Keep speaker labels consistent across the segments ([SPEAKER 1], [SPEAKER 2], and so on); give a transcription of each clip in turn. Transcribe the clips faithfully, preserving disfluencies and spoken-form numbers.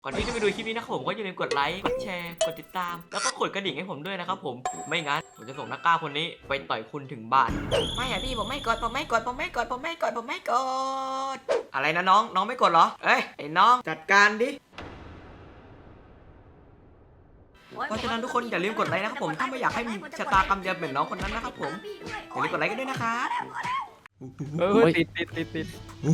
[SPEAKER 1] ก่อนที่จะไปดูคลิปนี้นะครับผมก็อย่าลืมกดไลค์กดแชร์กดติดตามแล้วก็กดกระดิ่งให้ผมด้วยนะครับผมไม่งั้นผมจะส่งนักกล้าคนนี้ไปต่อยคุณถึงบ้านไม่อะพี่ผมไม่กดผมไม่กดผมไม่กดผมไม่กดผมไม่กดอะไรนะน้องน้องไม่กดเหรอเอ้ยไอ้น้องจัดการดิเพราะฉะนั้นทุกคนอย่าลืมกดไลค์นะครับผมถ้าไม่อยากให้มีชะตากรรมเดียวเหมือนน้องคนนั้นนะครับผมอย่าลืมกดไลค์กันด้วยนะครับ
[SPEAKER 2] เออติดติดติดติด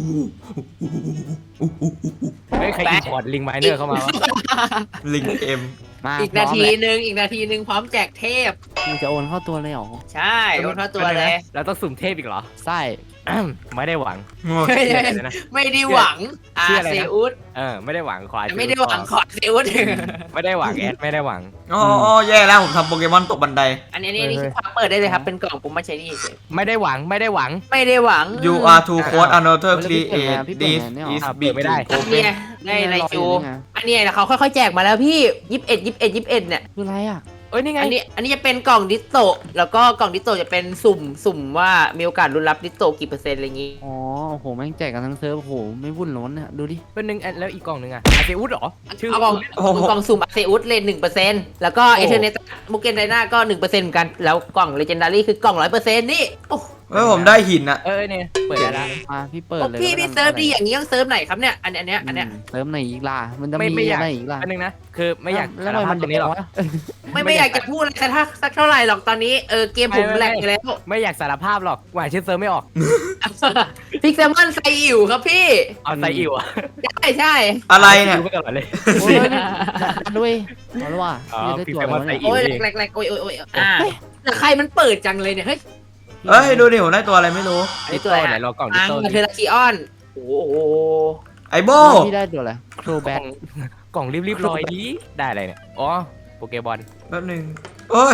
[SPEAKER 2] เฮ้ยใครอินพอร์ตลิงไมเนอร์เข้ามาวะ
[SPEAKER 1] ลิงเอ็ม
[SPEAKER 3] มา
[SPEAKER 4] อีกนาทีหนึ่งอีกนาทีหนึ่งพร้อมแจกเทพ
[SPEAKER 3] มึงจะโอนเข้าตัวเลยเหรอ
[SPEAKER 4] ใช่โอนเข้าตัวเลย
[SPEAKER 2] เราต้องสุ่มเทพอีกเหรอ
[SPEAKER 3] ใช่
[SPEAKER 2] ไม่ได้หวัง
[SPEAKER 4] ไม่ได้หวังอาเซอุส
[SPEAKER 2] เออไม่ได้หวังขอ
[SPEAKER 4] ไม่ได้หวังขอเซอุส
[SPEAKER 2] ไม่ได้หวังแอดไม่ได้หวัง
[SPEAKER 1] อ๋อแย่แล้วผมทำโปเกมอนตกบันได
[SPEAKER 4] อันนี้นี่คือความเปิดได้เลยครับเป็นกล่องผมมาใช้นี่
[SPEAKER 2] ไม่ได้หวังไม่ได้หวัง
[SPEAKER 4] ไม่ได้หวัง
[SPEAKER 1] you are too close another create this is big
[SPEAKER 2] ไม่ได้
[SPEAKER 4] เนี่ยได้ไรจูอันนี้เขาค่อยๆแจกมาแล้วพี่ยี่สิบเอ็ดยี่สิบเอ็ดยี่สิบเอ็ดเนี่ย
[SPEAKER 3] คืออะไรอ่ะ
[SPEAKER 2] เอ้ยนี่ไง
[SPEAKER 4] อันนี้อันนี้จะเป็นกล่องดิสโตแล้วก็กล่องดิสโตจะเป็นสุ่มสุ่มว่ามีโอกาสลุ้นรับดิสโตกี่เปอร์เซ็นต์อะไรอย่างงี้
[SPEAKER 3] อ๋อโอ้โหแม่งแจกกันทั้งเซิร์ฟโอ้โหไม่วุ่นร้อนเนี่ยดูดิ
[SPEAKER 2] เป็นหนึ่งแล้วอีกกล่องหนึ่งอะอาเซอุสหรอ
[SPEAKER 4] ชื่อกล่องกล่องสุ่มอาเซอุสเลนหนึ่งเปอร์เซ็นต์แล้วก็เอเทอร์เนตมุกเกนไดนาก็หนึ่งเปอร์เซ็นต์เหมือนกันแล้วกล่องเลเจนดารี่คือกล่องร้อยเปอร์เซ็นต์นี่โอ้
[SPEAKER 1] เฮ้ยผมได้หินอะ
[SPEAKER 2] เออเนี่ยเปิดแล้ว
[SPEAKER 3] มาพี่เปิดเลย
[SPEAKER 4] พี่พี่เซิร์ฟดีอย่างนี้ต้องเซิร์ฟไหนครับเนี่ยอันเนี้ยอันเนี้ย
[SPEAKER 3] เซิร์ฟไหนอีกล่ะมันจะมีอะไรอีกล่ะ
[SPEAKER 2] อันนึงนะคือไม่อยาก
[SPEAKER 3] แล้วทำไมมันตรงนี้หรอ
[SPEAKER 4] ไม่ไม่อยากจะพูดอะไรแต่ถ้าสักเท่าไหร่หรอกตอนนี้เออเกมผมแหลกไปแล้ว
[SPEAKER 2] ไม่อยากสารภาพหรอกหวานชื่อเซิร์ฟไม่ออก
[SPEAKER 4] พิกเซมอนไซอิ๋วครับพี่
[SPEAKER 2] เอาไซอิ๋วอ่ะ
[SPEAKER 4] ใช่ใช่
[SPEAKER 1] อะไรเนี่ย
[SPEAKER 2] ไม่กันเลย
[SPEAKER 3] ด้วยเอาละว่ะ
[SPEAKER 2] พิกเซมอนไซอิ๋ว
[SPEAKER 4] โอ้ยแหลกแหลกโอ้ยโอ้ยโอ้ยอ่าแต่ใครมันเปิดจังเลยเนี่ยเฮ้ย
[SPEAKER 1] เอ้ยดูดิผมได้ตัวอะไรไม่รู้
[SPEAKER 2] ไอตัวไหนรอกล่องดิโต้
[SPEAKER 4] เทอร์คิออนโอ้โห
[SPEAKER 1] ไอโบ
[SPEAKER 3] พี่ได้ตัวอะไรโครแบท
[SPEAKER 2] กล่องรีบๆลอยดีได้อะไรเนี่ยอ๋อโปเกบอล
[SPEAKER 1] แป๊บนึงโอ้ย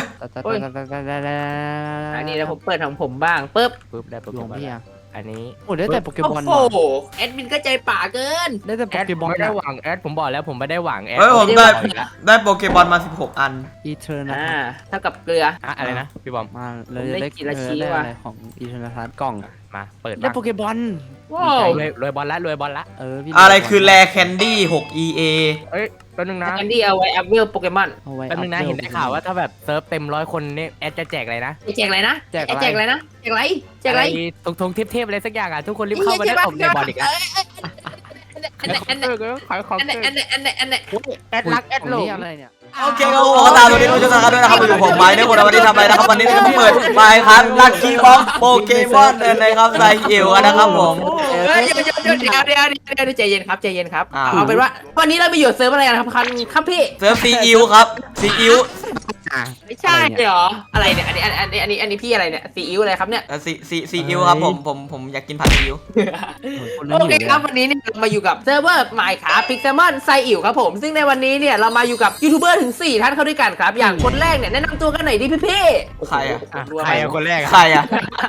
[SPEAKER 4] อันนี้นะผมเปิดของผมบ้างปึ๊บ
[SPEAKER 2] ปึ๊บได้โปเกบอลอันนี้
[SPEAKER 3] โอ้ได้แต่โปเกมอน
[SPEAKER 4] โอ้โหแอดมินก็ใจป่าเกิน
[SPEAKER 3] ได้แต่โปเกมอน
[SPEAKER 2] ไม่ได้หวังแอดผมบอกแล้วผมไม่ได้หวังแอด
[SPEAKER 1] เฮ้ยผมได้ได้โปเกมอนมาสิบหกอัน
[SPEAKER 3] อีเทอร์นะ
[SPEAKER 4] เท่ากับเกลือ
[SPEAKER 2] อะไรนะพี่บอม
[SPEAKER 3] มาเลยได้กินละชีว่ะของอีเทอร์นะกล่อง
[SPEAKER 2] มาเปิด
[SPEAKER 3] ได้โปเกมอน
[SPEAKER 4] ว้าว
[SPEAKER 2] รวยบอลละรวยบอลละ
[SPEAKER 3] เออ
[SPEAKER 1] อะไรคือแรแคนดี้หก อี เอ
[SPEAKER 2] เอ้ยแป๊บนึงนะ
[SPEAKER 4] แคนดี้เอาไว้อัพเวลโปเกมอน
[SPEAKER 2] แป๊บนึงนะเห็นได้ข่าวว่าถ้าแบบเซิร์ฟเต็มร้อยคนนี่แอดจะแจกอะไรนะ
[SPEAKER 4] แจกอะไรนะแจกแจกอะไรนะแจกอะไรแจกอะไร
[SPEAKER 2] ทงทงเทพๆอะไรสักอย่างอ่ะทุกคนรีบเข้ามาได้อมในบอลอีกอ่ะ
[SPEAKER 4] อันไหนอันไหน
[SPEAKER 2] ขายของ
[SPEAKER 4] อันไหนอันไหนอันไหนอันไหน
[SPEAKER 2] แอดรักแอดโลก
[SPEAKER 3] อะไรเนี่ย
[SPEAKER 1] โอเคครับผมตามตัวนี้ดูช่วยกันด้วยนะครับอยู่ผมไม้เนี่ยคนวันนี้ทำอะไรนะครับวันนี้จะเปิดไปครับลัคกี้บ็อกโปเกมอนนะครับไซเอลนะครับผม
[SPEAKER 4] เดี๋ยวเดี๋ยวเดี๋ยวเดี๋ยวเดี๋ยวเดี๋ยวใจเย็นครับใจเย็นครับเอาเป็นว่าวันนี้เราไปอยู่เซิร์ฟอะไรกันครับคันครับพี่
[SPEAKER 1] เซิร์ฟซีอิวครับซีอิว
[SPEAKER 4] ไม่ใช่เหรออะไรเนี่ยอันนี้อันนี้อันนี้อันนี้พี่อะไรเนี่ยซีอิ๊วอะไรครับเนี่ย
[SPEAKER 1] ซีซีซีอิ๊วครับผมผมผมอยากกินผัดซีอิ๊ว
[SPEAKER 4] โอเคครับวันนี้เนี่ยเรามาอยู่กับเซิร์ฟเวอร์หมายขาพิกเซมอนไซอิ๋วครับผมซึ่งในวันนี้เนี่ยเรามาอยู่กับยูทูบเบอร์ถึงสี่ท่านเข้าด้วยกันครับอย่างคนแรกเนี่ยแนะนำตัวกันหน่อยดิพี่พี่
[SPEAKER 1] ใครอ่ะ
[SPEAKER 2] ใครอ่ะคนแรก
[SPEAKER 1] ใครอ่ะ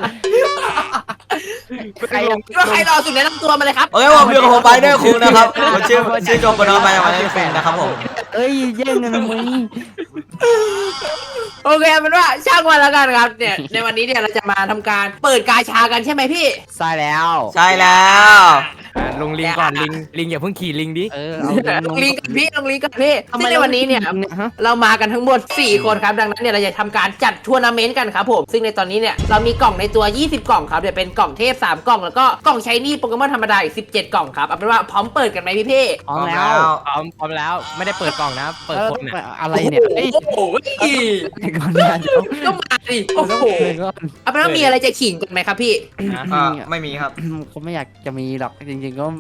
[SPEAKER 4] ใครว่าใครรอสุดแนะนำตัวมาเลยครับ
[SPEAKER 1] โอเคผมอยู่กับผมไปด้วยคุณนะครับผมชื่อชื่อจอมปนไปมาในแฟนนะครับผม
[SPEAKER 3] เอ้ยแย่งกันทำไม
[SPEAKER 4] โอเคเป็นว่าช่างวันแล้วกันครับเนี่ยในวันนี้เนี่ยเราจะมาทำการเปิดกาชากันใช่ไหมพี่
[SPEAKER 3] ใช่แล้ว
[SPEAKER 1] ใช่แล้ว
[SPEAKER 2] ลงลิงก่อนลิงลิงอย่าเพิ่งขี่ลิงดิ
[SPEAKER 3] เออ
[SPEAKER 4] ลงลิงกับพี่ลงลิงกับพี่ซึ่งในวันนี้เนี่ยเรามากันทั้งหมดสี่คนครับดังนั้นเนี่ยเราจะทำการจัดทัวร์นาเมนต์กันครับผมซึ่งในตอนนี้เนี่ยเรามีกล่องในตัวยี่สิบกล่องครับเดี๋ยวเป็นกล่องเทพสามกล่องแล้วก็กล่องใช้นี่โปเกมอนธรรมดาอีกสิบเจ็ดกล่องครับเอาเป็นว่าพร้อมเปิดกันไหมพี่พี่
[SPEAKER 3] พร้อมแล้ว
[SPEAKER 2] พร้อมพร้อมแล้วไม่ได้เปิดกล่องนะเปิดคนเนี่ย
[SPEAKER 3] อะไรเนี่ย
[SPEAKER 4] โอ้โห
[SPEAKER 3] ก่อนเนี่ย
[SPEAKER 4] ก็มาดิโอ้โหเอาเป็นว่ามีอะไรจะขิงกันไหมครับพี่
[SPEAKER 1] ไม่มีครับ
[SPEAKER 3] เขาไม่อยากจะมีหรอกจริงๆก็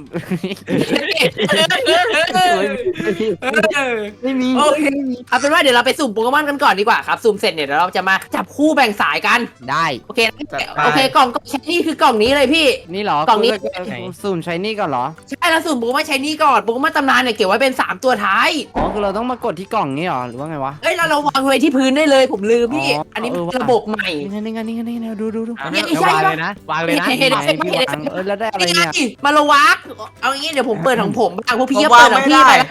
[SPEAKER 3] ไม่มี
[SPEAKER 4] โอเคเอาเป็นว่าเดี๋ยวเราไปสุ่มโปเกมอนกันก่อนดีกว่าครับสุ่มเสร็จเนี่ยเดี๋ยวเราจะมาจับคู่แบ่งสายกัน
[SPEAKER 3] ได้
[SPEAKER 4] โอเคโอเคกล่องก็ใช้นี่คือกล่องนี้เลยพี่
[SPEAKER 3] นี่หรอกล่องนี้สุ่มใช้นี่ก่อนเหรอ
[SPEAKER 4] ใช่แล้วสุ่มโปเกมอนใช้นี่ก่อนโปเกมอนตำนานเนี่ยเก็บไว้เป็นสามตัวท้าย
[SPEAKER 3] อ๋อคือเราต้องมากดที่กล่องนี้หรอหรือว่าไงวะ
[SPEAKER 4] เอ้ยเราเราวางไว้ที่พื้นได้เลยผมลืมพี่อันนี้ระบบใหม่
[SPEAKER 3] นี่ไงนี่ไงนี่ไงดูดูดู
[SPEAKER 2] นี่ใช่เลยนะวางเลยนะ
[SPEAKER 3] เออแล้วได้อะไรเนี่ย
[SPEAKER 4] มาละวักเอางี้เดี๋ยวผมเปิดของผมบ้างพวกพี่ก็เปิดของพี่ไปแล้วกัน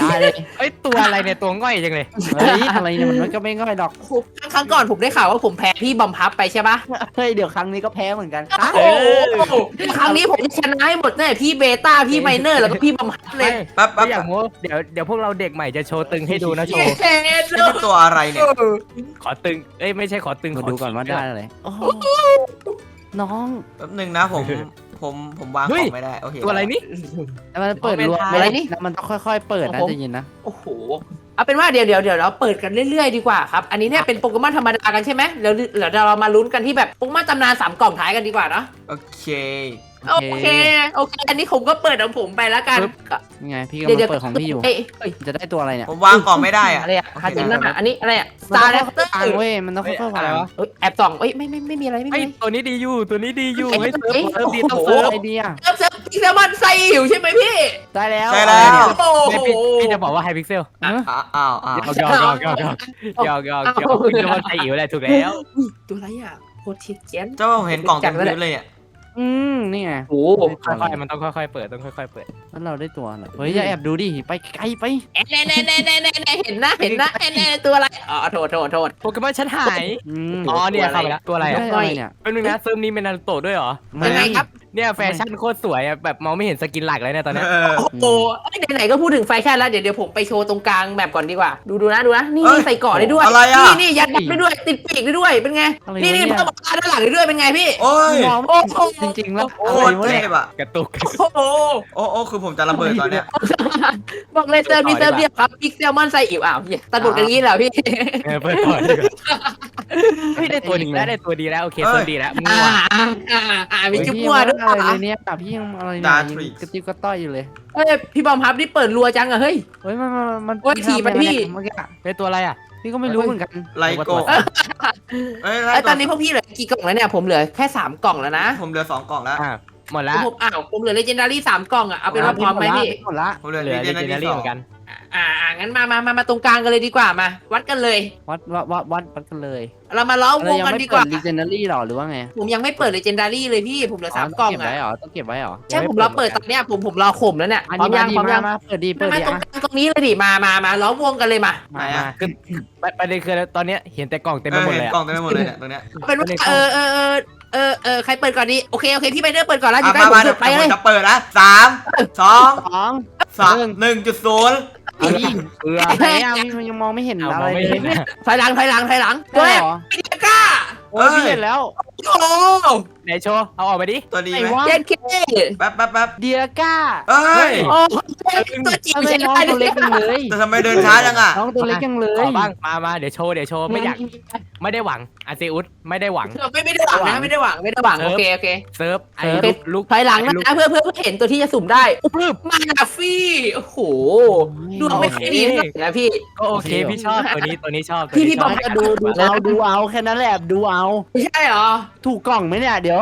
[SPEAKER 3] ได้เลย
[SPEAKER 2] เอ้ยตัวอะไรเนี่ยตัวง่อยจังเลย
[SPEAKER 3] เฮ้ยอะไรเนี่ยมันก็ไม่ง่อยดอก
[SPEAKER 4] ครั้งก่อนผมได้ข่าวว่าผมแพ้พี่บอมพับไปใช่ปะ
[SPEAKER 3] เฮ้ยเดี๋ยวครั้งนี้ก็แพ้เหมือนกัน
[SPEAKER 4] โอ้โหครั้งนี้ผมจะชนะให้หมดแน่พี่เบต้าพี่ไมเนอร์แล้วก็พี่บอมพับเลย
[SPEAKER 1] แป๊บแป๊บ
[SPEAKER 2] ไม่อยากโม้เดี๋ยวเดี๋ยวพวกเราเด็กใหม่จะโชว์ตึงให้ดูนะโชว์
[SPEAKER 4] เย้เล
[SPEAKER 1] นี่เป็นตัวอะไรเนี่ย
[SPEAKER 2] ขอตึงเอ้ยไม่ใช่ขอตึง
[SPEAKER 3] มา
[SPEAKER 2] ขอ
[SPEAKER 3] ดูก่อนว่าได้อะไรโอ้โหน้อง
[SPEAKER 1] แป๊บหนึงนะผมผมผมวางของไม่ได้โอเค
[SPEAKER 2] ตัวอะไรนี่
[SPEAKER 3] แต่มันเปิดรวม
[SPEAKER 4] อะไรนี่
[SPEAKER 3] แล้วมันต้องค่อยๆเปิดนะใจะยินนะ
[SPEAKER 4] โอ้โหเอาเป็นว่าเดี๋ยวเดี๋ยวเดี๋ยวเราเปิดกันเรื่อยๆดีกว่าครับอันนี้เนี่ยเป็นโปเกมอนธรรมดากันใช่ไหมเดี๋ยวเดี๋ยวเรามาลุ้นกันที่แบบโปเกมอนตำนานสามกล่องท้ายกันดีกว่าเนาะ
[SPEAKER 1] โอเค
[SPEAKER 4] โอเคโอเคอันนี้ผมก็เปิดของผมไปแล้วกัน
[SPEAKER 3] ยังไงพี่กำลังเปิดของพี่อยู่
[SPEAKER 4] เอ้ยเอ้ย
[SPEAKER 3] จะได้ตัวอะไรเนี่ย
[SPEAKER 1] ผมวางกล่องไม่ได้อะ
[SPEAKER 4] อะไรอะ
[SPEAKER 1] โอ
[SPEAKER 4] คา
[SPEAKER 1] เค
[SPEAKER 4] จินนั่นอะอันนี้อะไรอะส
[SPEAKER 3] มัน
[SPEAKER 4] ตา
[SPEAKER 3] ต้
[SPEAKER 4] ร์
[SPEAKER 3] อง
[SPEAKER 4] แรปเตอร์
[SPEAKER 3] ค่อยๆวางเว้ยมันต้องค่อยๆวาง
[SPEAKER 2] อะไรวะ
[SPEAKER 4] เอ้ยแอบส่องเอ้ยไม่ไม่ไม่มีอะไรไม่
[SPEAKER 2] ไอ้
[SPEAKER 4] มี
[SPEAKER 2] ยตัวนี้ดีอยู่ตัวนี้ดีอยู่
[SPEAKER 4] ไอ้
[SPEAKER 2] เฮ้ยเซิร์ฟ
[SPEAKER 4] ไอ้
[SPEAKER 2] เซิร์ฟดีต้อง
[SPEAKER 4] โอ้โห
[SPEAKER 2] เซิร์ฟ
[SPEAKER 3] ไอเดีย
[SPEAKER 4] เซิร์ฟเซิร์ฟพิกเซลมอนไซหิวใช่ไหมพี่
[SPEAKER 3] ได้แล้ว
[SPEAKER 1] ใช่แล้ว
[SPEAKER 4] โอ้
[SPEAKER 2] ไม่
[SPEAKER 4] โห
[SPEAKER 2] พี่พี่จะบอกว่าไฮพิกเซล
[SPEAKER 3] เออ
[SPEAKER 1] อ้าวอ้าวอ้าว
[SPEAKER 2] หยอกหยอกหยอกหยอกหยอกหยอกหยอกพิกเซลมันไทยอิ๋วแหละถูกแล้ว
[SPEAKER 4] อุ้ยตัวอะไรอะโคตรชิดเจน
[SPEAKER 1] เจ้าผมเห็นกล่องเต็มพื้นเลยเนี่ย
[SPEAKER 3] อืมนี่ไง
[SPEAKER 4] โอ้โห
[SPEAKER 2] ค่อยๆมันต้องค่อยๆเปิดต้องค่อยๆเปิด
[SPEAKER 3] แล้วเราได้ตัวเหรอเฮ้ยอย่าแอบดูดิไปไกลไป
[SPEAKER 4] แน่แน่แน่แน่แน่แน่เห็นนะเห็นนะแน่แน่ตัวอะไรอ๋อโทษโทษโทษ
[SPEAKER 2] โปเกมอนฉันหาย
[SPEAKER 3] อืม
[SPEAKER 2] อ๋อเนี่ยเข้าไปแล้วตัวอะไร
[SPEAKER 3] ได้
[SPEAKER 2] อ่ะ
[SPEAKER 3] อะไรเนี่ย
[SPEAKER 2] เป็นนึงนะเซิร์ฟนี้เป็นนารูโตะด้วยเหรอ
[SPEAKER 4] ยังไงครับ
[SPEAKER 2] เนี่ยแฟชั่นโคตรสวยอ่ะแบบมองไม่เห็นสกินหลักเลยเนี่ยตอนเนี้ย
[SPEAKER 1] เออ
[SPEAKER 4] โอ้โหเอ้ยไหนๆก็พูดถึงแฟชั่นแล้วเดี๋ยวเดี๋ยวผมไปโชว์ตรงกลางแบบก่อนดีกว่า ดูดูนะดูนะนี่
[SPEAKER 1] เอ้ย
[SPEAKER 4] ใส่เกาะได้ด้วย
[SPEAKER 1] อะไรอะ
[SPEAKER 4] นี่นี่ยัดได้ด้วยติดปีกได้ด้วยเป็นไง
[SPEAKER 3] อะไร
[SPEAKER 4] นี่นี่
[SPEAKER 3] วะเนี่ย
[SPEAKER 4] เพิ่มราด้านหลังได้ด้วยเป็นไงพี่
[SPEAKER 1] โอ้ย
[SPEAKER 3] มอง
[SPEAKER 4] โอ้โห
[SPEAKER 3] จริงๆแล้ว
[SPEAKER 1] โค
[SPEAKER 3] อะไร
[SPEAKER 1] ตร
[SPEAKER 3] วะ
[SPEAKER 1] เท
[SPEAKER 3] เนี่ย
[SPEAKER 1] พอะ
[SPEAKER 2] กระตุก
[SPEAKER 4] โอ้โห
[SPEAKER 1] โอ้โอ้คือผมจะระเบิดตอนเนี้ย
[SPEAKER 4] บอกเลยเซิร์ฟนี่เซิร์ฟเรียบครับพิกเซลมอนไซอิ๋วอ้าวเหี้ยตัดบทกันงี้เหรอพี่
[SPEAKER 2] เออเปิดก่อนดีกว่าเฮ้ยได้ตัวดีแล้วได้ตัวดีแล้วโอเคเซิร์ฟดีแล้วมั่
[SPEAKER 4] อ่าว อ่าอ่าอ่ามีจุ๊บมัวด้วย
[SPEAKER 3] อะไร
[SPEAKER 4] เหร
[SPEAKER 3] เล
[SPEAKER 4] อย
[SPEAKER 3] เนี่ยแต่พี่ยังอะไร
[SPEAKER 1] ดา
[SPEAKER 3] เนี่ย
[SPEAKER 1] ทริก
[SPEAKER 3] กระติบกระต้อยอยู่เลย
[SPEAKER 4] เฮ้ยพี่บอมครับนี่เปิดรัวจังอะเฮ้ย
[SPEAKER 3] เฮ้ยมันมันมัน
[SPEAKER 4] โอ้ยถีบไปพี่
[SPEAKER 3] เมื่อกี้อะ
[SPEAKER 2] ได้ตัวอะไรอ่ะ
[SPEAKER 3] พี่ก็ไม่รู้เหมือนกัน
[SPEAKER 1] ไลโก้เอ้ย
[SPEAKER 4] ไอ้ยตอนนี้พวกพี่เหลือกี่กล่องแล้วเนี่ยผมเหลือแค่สามกล่องแล้วนะ
[SPEAKER 1] ผมเหลือสองกล่องแล้ว
[SPEAKER 2] อ่าหมดแล้ว
[SPEAKER 4] ผมอ้าวผมเหลือเลเจนดารี่สามกล่องอะเอาเป็นว่าพร้อมไหมพี่
[SPEAKER 3] หมดละ
[SPEAKER 1] ผมเหลือ
[SPEAKER 2] เหลือ
[SPEAKER 1] ดี
[SPEAKER 2] เล
[SPEAKER 1] เจน
[SPEAKER 2] เจนดา
[SPEAKER 1] ที่
[SPEAKER 2] รี่
[SPEAKER 1] สอ
[SPEAKER 2] เห
[SPEAKER 1] ง
[SPEAKER 2] มือนกัน
[SPEAKER 4] อ่าอ่างั้นมามามามาตรงกลางกันเลยดีกว่ามา วัดกันเลย
[SPEAKER 3] วัดวัดวัดวัดวัดกันเลย
[SPEAKER 4] เรามาล้อมวงกันดีกว่า
[SPEAKER 3] ลีเจนดารี่หรอหรือว่าไง
[SPEAKER 4] ผมยังไม่เปิดเลเจนดารี่เลยพี่ผมเหลือสามกล่อง
[SPEAKER 3] เก็บ
[SPEAKER 4] อะ
[SPEAKER 3] ไว้หรอต้องเก็บไว้หรอ
[SPEAKER 4] ใช่ผมรอเปิดตอนเนี้ยผมผมรอข่มแล้วเนี่ย
[SPEAKER 3] อัน
[SPEAKER 4] พร้อ
[SPEAKER 3] นี้
[SPEAKER 4] ม
[SPEAKER 3] มา
[SPEAKER 4] ยัง
[SPEAKER 3] ดี
[SPEAKER 4] พร้อม
[SPEAKER 3] มา
[SPEAKER 4] ยัง
[SPEAKER 3] มาเปิดดีเปิด
[SPEAKER 4] มา
[SPEAKER 3] ดี
[SPEAKER 4] ตรง
[SPEAKER 3] อ่ะ
[SPEAKER 4] กลางตรงนี้เลยดิมามามาล้อมวงกันเลยมา
[SPEAKER 1] ไหนอะ
[SPEAKER 2] คือประเด็นคือตอนเนี้ยเห็นแต่กล่องเต็ม
[SPEAKER 1] เอ
[SPEAKER 2] ไป
[SPEAKER 1] อ
[SPEAKER 2] หมด
[SPEAKER 1] เห็น
[SPEAKER 2] เลย
[SPEAKER 1] กล่อ
[SPEAKER 2] อะ
[SPEAKER 1] งเต็มไปหมดเลยเนี่ยตรงเนี้ย
[SPEAKER 4] เป็นว่าเออเออเออเออเออใครเปิดก่อนดีโอเคโอเคพี่ไปเดอร์เปิดก่อนแล้วอยู่
[SPEAKER 1] อ่ะ
[SPEAKER 4] ใกล้
[SPEAKER 1] มา
[SPEAKER 4] ผม
[SPEAKER 1] มา
[SPEAKER 4] สุดไปเลย
[SPEAKER 1] จะเปิดนะสามสอง
[SPEAKER 3] สอง
[SPEAKER 1] สามหนึ่งจุดศูนย์
[SPEAKER 3] เอาดิ
[SPEAKER 2] เกลือ
[SPEAKER 3] ไหนอ่ะมันยังมองไม่เห็น
[SPEAKER 2] เอา
[SPEAKER 3] อะ
[SPEAKER 2] ม
[SPEAKER 3] ไร
[SPEAKER 2] องไม่
[SPEAKER 3] เล
[SPEAKER 2] เห็
[SPEAKER 3] ย
[SPEAKER 2] น
[SPEAKER 3] เนี่ย
[SPEAKER 2] อะ
[SPEAKER 4] ถอยหลังถอยหลังถอยหลังตัว
[SPEAKER 3] ได้
[SPEAKER 4] แรก
[SPEAKER 3] เหรอ
[SPEAKER 4] พี่เดียก้า
[SPEAKER 3] โอ้ยพี่เห็นแล้ว
[SPEAKER 4] โอ้โห
[SPEAKER 2] ไหนโชว์เอาออกมาดิ
[SPEAKER 1] ตัวดี
[SPEAKER 3] ไหน
[SPEAKER 1] ไหม
[SPEAKER 3] วะ
[SPEAKER 4] เย็นเค
[SPEAKER 1] แป๊บแป๊บแป๊บ
[SPEAKER 3] เดียก้า
[SPEAKER 1] เอ้ย
[SPEAKER 4] โอ้ตัวจิ๋ว
[SPEAKER 3] ทำไม
[SPEAKER 4] ใช้
[SPEAKER 3] น้อง
[SPEAKER 4] ได้
[SPEAKER 3] ตัวเล็กจังเลย
[SPEAKER 1] แต่ทำไมเดินช้าจังอ่ะ
[SPEAKER 3] น้องตัวเล็กจังเล
[SPEAKER 2] ขอย บ้างมามาเดี๋ยวโชว์เดี๋ยวโชว์ไม่อยากไม่ได้หวังอาเซอุสไม่ได้หวัง
[SPEAKER 4] ไม่ไม่ได้หวังนะไม่ได้หวังไม่ได้หวังโอเคโอเค
[SPEAKER 2] เซิร์ฟไอ้
[SPEAKER 3] เซิร์ฟ
[SPEAKER 2] ลูกลูก
[SPEAKER 4] ถอยหลังนะเพื่อเพื่อเพื่อเห็นตัวที่จะสุ่มได้
[SPEAKER 2] ปึ๊บ
[SPEAKER 4] มาฟี่โอ้โหดูไม่ค่อยดีนะพี่
[SPEAKER 2] ก็โอเคพี่ชอบตัวนี้ตัวนี้ชอบตัว
[SPEAKER 4] พี่
[SPEAKER 2] นี้
[SPEAKER 4] พี่
[SPEAKER 2] ช
[SPEAKER 4] บ
[SPEAKER 2] อ
[SPEAKER 4] อบ ก
[SPEAKER 3] ก็ดูดูเอาดูเอาแค่นั้นแหละดูเอา
[SPEAKER 4] ไม่ใช่เหรอ
[SPEAKER 3] ถูกกล่องไหมเนี่ยเดี๋ยว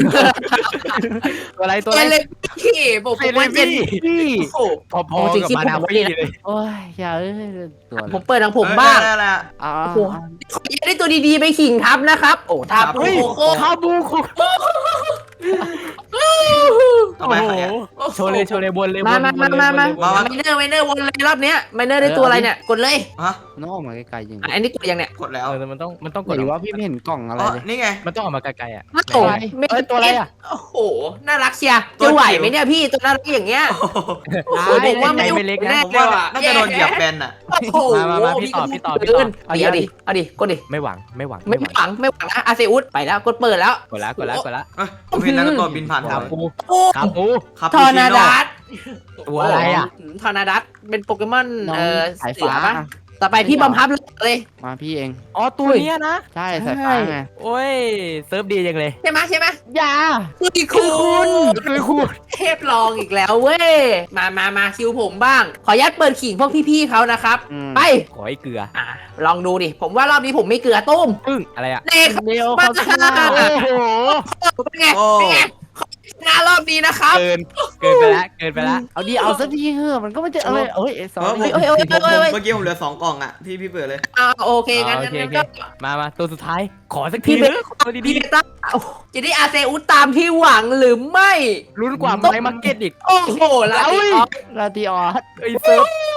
[SPEAKER 2] ตัวอะไรตัว
[SPEAKER 4] เจ
[SPEAKER 2] อะไร
[SPEAKER 4] นเลยพี่บอกผมว่าเจน
[SPEAKER 3] พี่
[SPEAKER 4] โอ้โห
[SPEAKER 2] พอพอกับมานาฟี่เลย
[SPEAKER 3] โอ้ยอย่าเอ้ยตัว
[SPEAKER 4] ผมเปิดของผมบ้าง
[SPEAKER 1] เออได้แล้ว
[SPEAKER 3] อ่า
[SPEAKER 4] โอ้โห ขอได้ตัวดีๆไปขิงทับนะครับ โอ้ทับ
[SPEAKER 1] ครับ
[SPEAKER 4] โอ้โห
[SPEAKER 2] คาบูคุ
[SPEAKER 1] ต่อ
[SPEAKER 2] โอ้
[SPEAKER 1] ไป
[SPEAKER 2] โห
[SPEAKER 1] ใครอะ
[SPEAKER 2] โชว์เลยโชว์เลยบนเลย
[SPEAKER 4] มามามามามา
[SPEAKER 1] มามา
[SPEAKER 4] ไมเนอร์ไมเนอร์วนเลยรอบเนี้ยไมเนอร์ได้ตัวอะไรเนี่ยกดเลย
[SPEAKER 1] ฮะ
[SPEAKER 3] น้องออกมาไกลๆยัง
[SPEAKER 4] อันนี้กดยังเนี่ย
[SPEAKER 1] กดแล้ว
[SPEAKER 2] เออมันต้องมันต้องกด
[SPEAKER 3] หรือว่าพี่ไม่เห็นกล่องอะไร
[SPEAKER 1] อ๋อ
[SPEAKER 3] เลย
[SPEAKER 1] นี่ไง
[SPEAKER 2] มันต้องออกมาไกลๆอ่ะ
[SPEAKER 4] โอ้โห
[SPEAKER 2] เอ้ยตัวอะไรอ่ะ
[SPEAKER 4] โอ้โหน่ารักเชียร์จะไหวไหมเนี่ยพี่ตัวน่ารักอย่างเงี้ย
[SPEAKER 1] โอ้โห
[SPEAKER 4] โอ้โหผมว่าไม่
[SPEAKER 2] ไม่เล็กนะ
[SPEAKER 4] แน่
[SPEAKER 1] ผมว่าน่าจะโดนเหยียบแบนอ่ะ
[SPEAKER 4] โอ้โห
[SPEAKER 2] มามามาพี่ต่อพี่ต่อพี่ต่อ
[SPEAKER 4] เกินเอาดิเอาดิเอาดิกดดิ
[SPEAKER 2] ไม่หวังไม่หวัง
[SPEAKER 4] ไม่หวังไม่หวังนะอาเซอุสไปแล้วกดเปิดแล้ว
[SPEAKER 2] กดละกดละกดละ
[SPEAKER 1] เอ้ยผมเห็นนารูโตะบินผ่าน
[SPEAKER 2] คา
[SPEAKER 1] ผม
[SPEAKER 2] ปู
[SPEAKER 4] โอ้
[SPEAKER 2] คาปู
[SPEAKER 1] ครับ
[SPEAKER 4] ทอร์นาดัส
[SPEAKER 2] ตัวอะไรอ่ะ
[SPEAKER 4] ทอร์นาดัสเป็นโปเกมอน
[SPEAKER 3] น้อง
[SPEAKER 4] เอ่อ
[SPEAKER 3] สาย
[SPEAKER 4] เสื
[SPEAKER 3] ฟ้า
[SPEAKER 4] อปะต่อไปพี่บอมพับเลย
[SPEAKER 3] มาพี่เอง
[SPEAKER 2] อ๋อตัวเนี้ยนะ
[SPEAKER 3] ใช่สายฟ้าไง
[SPEAKER 2] โอ้ยเซิร์ฟดีจังเลย
[SPEAKER 4] ใช่ไหมใช่ไหม
[SPEAKER 3] อย่า
[SPEAKER 4] คือคุณ
[SPEAKER 2] คือคุณ
[SPEAKER 4] เทพลองอีกแล้วเว้ยมามามาคิวผมบ้าง ขออนุญาตเปิดขิงพวกพี่ๆเขานะครับ
[SPEAKER 3] อืม
[SPEAKER 4] ไป
[SPEAKER 2] ขอให้เกลือ
[SPEAKER 4] อ่ะลองดูดิผมว่ารอบนี้ผมไม่เกลือตุ้ม
[SPEAKER 2] ปึ้งอะไรอ่ะ
[SPEAKER 4] เด็ก
[SPEAKER 3] เดียว
[SPEAKER 4] มา
[SPEAKER 3] เขาชนะ
[SPEAKER 2] โอ้โห
[SPEAKER 4] เป็นไง
[SPEAKER 1] โอ้
[SPEAKER 4] เป็นไงชนะรอบนี้นะครับ
[SPEAKER 2] เกินเกินไปละเกินไปละ
[SPEAKER 3] เอาดีเอาสักทีเถอะมันก็ไม่จะเอ้ยเอ้ยสอ
[SPEAKER 1] เออผม
[SPEAKER 3] รี่
[SPEAKER 4] เอ้ยเอ้ย
[SPEAKER 1] ผม
[SPEAKER 4] เอ้ยเอ้ย
[SPEAKER 1] เมื่อกี้ผมเหลือสองกล่องอ่ะที่พี่เปิดเลย
[SPEAKER 4] อ่าโอเคงั้น
[SPEAKER 2] โอ
[SPEAKER 4] งั้น
[SPEAKER 2] เคโอ
[SPEAKER 4] งั้น
[SPEAKER 2] เค
[SPEAKER 4] ก็
[SPEAKER 2] มามาตัวสุดท้ายขอสัก
[SPEAKER 4] พี่
[SPEAKER 2] ที
[SPEAKER 4] เบ
[SPEAKER 2] เถอะขอตัว
[SPEAKER 4] พี่
[SPEAKER 2] ดี
[SPEAKER 4] เบต้าโอ้จะได้อาเซอุสตามที่หวังหรือไม่
[SPEAKER 2] ๆลุ้นกว่าไม้มาร์เก็ตอีก
[SPEAKER 4] โอ้โหแล้ว
[SPEAKER 2] เอ้ย
[SPEAKER 3] ลาติออส
[SPEAKER 2] ไอ้เซิร์ฟ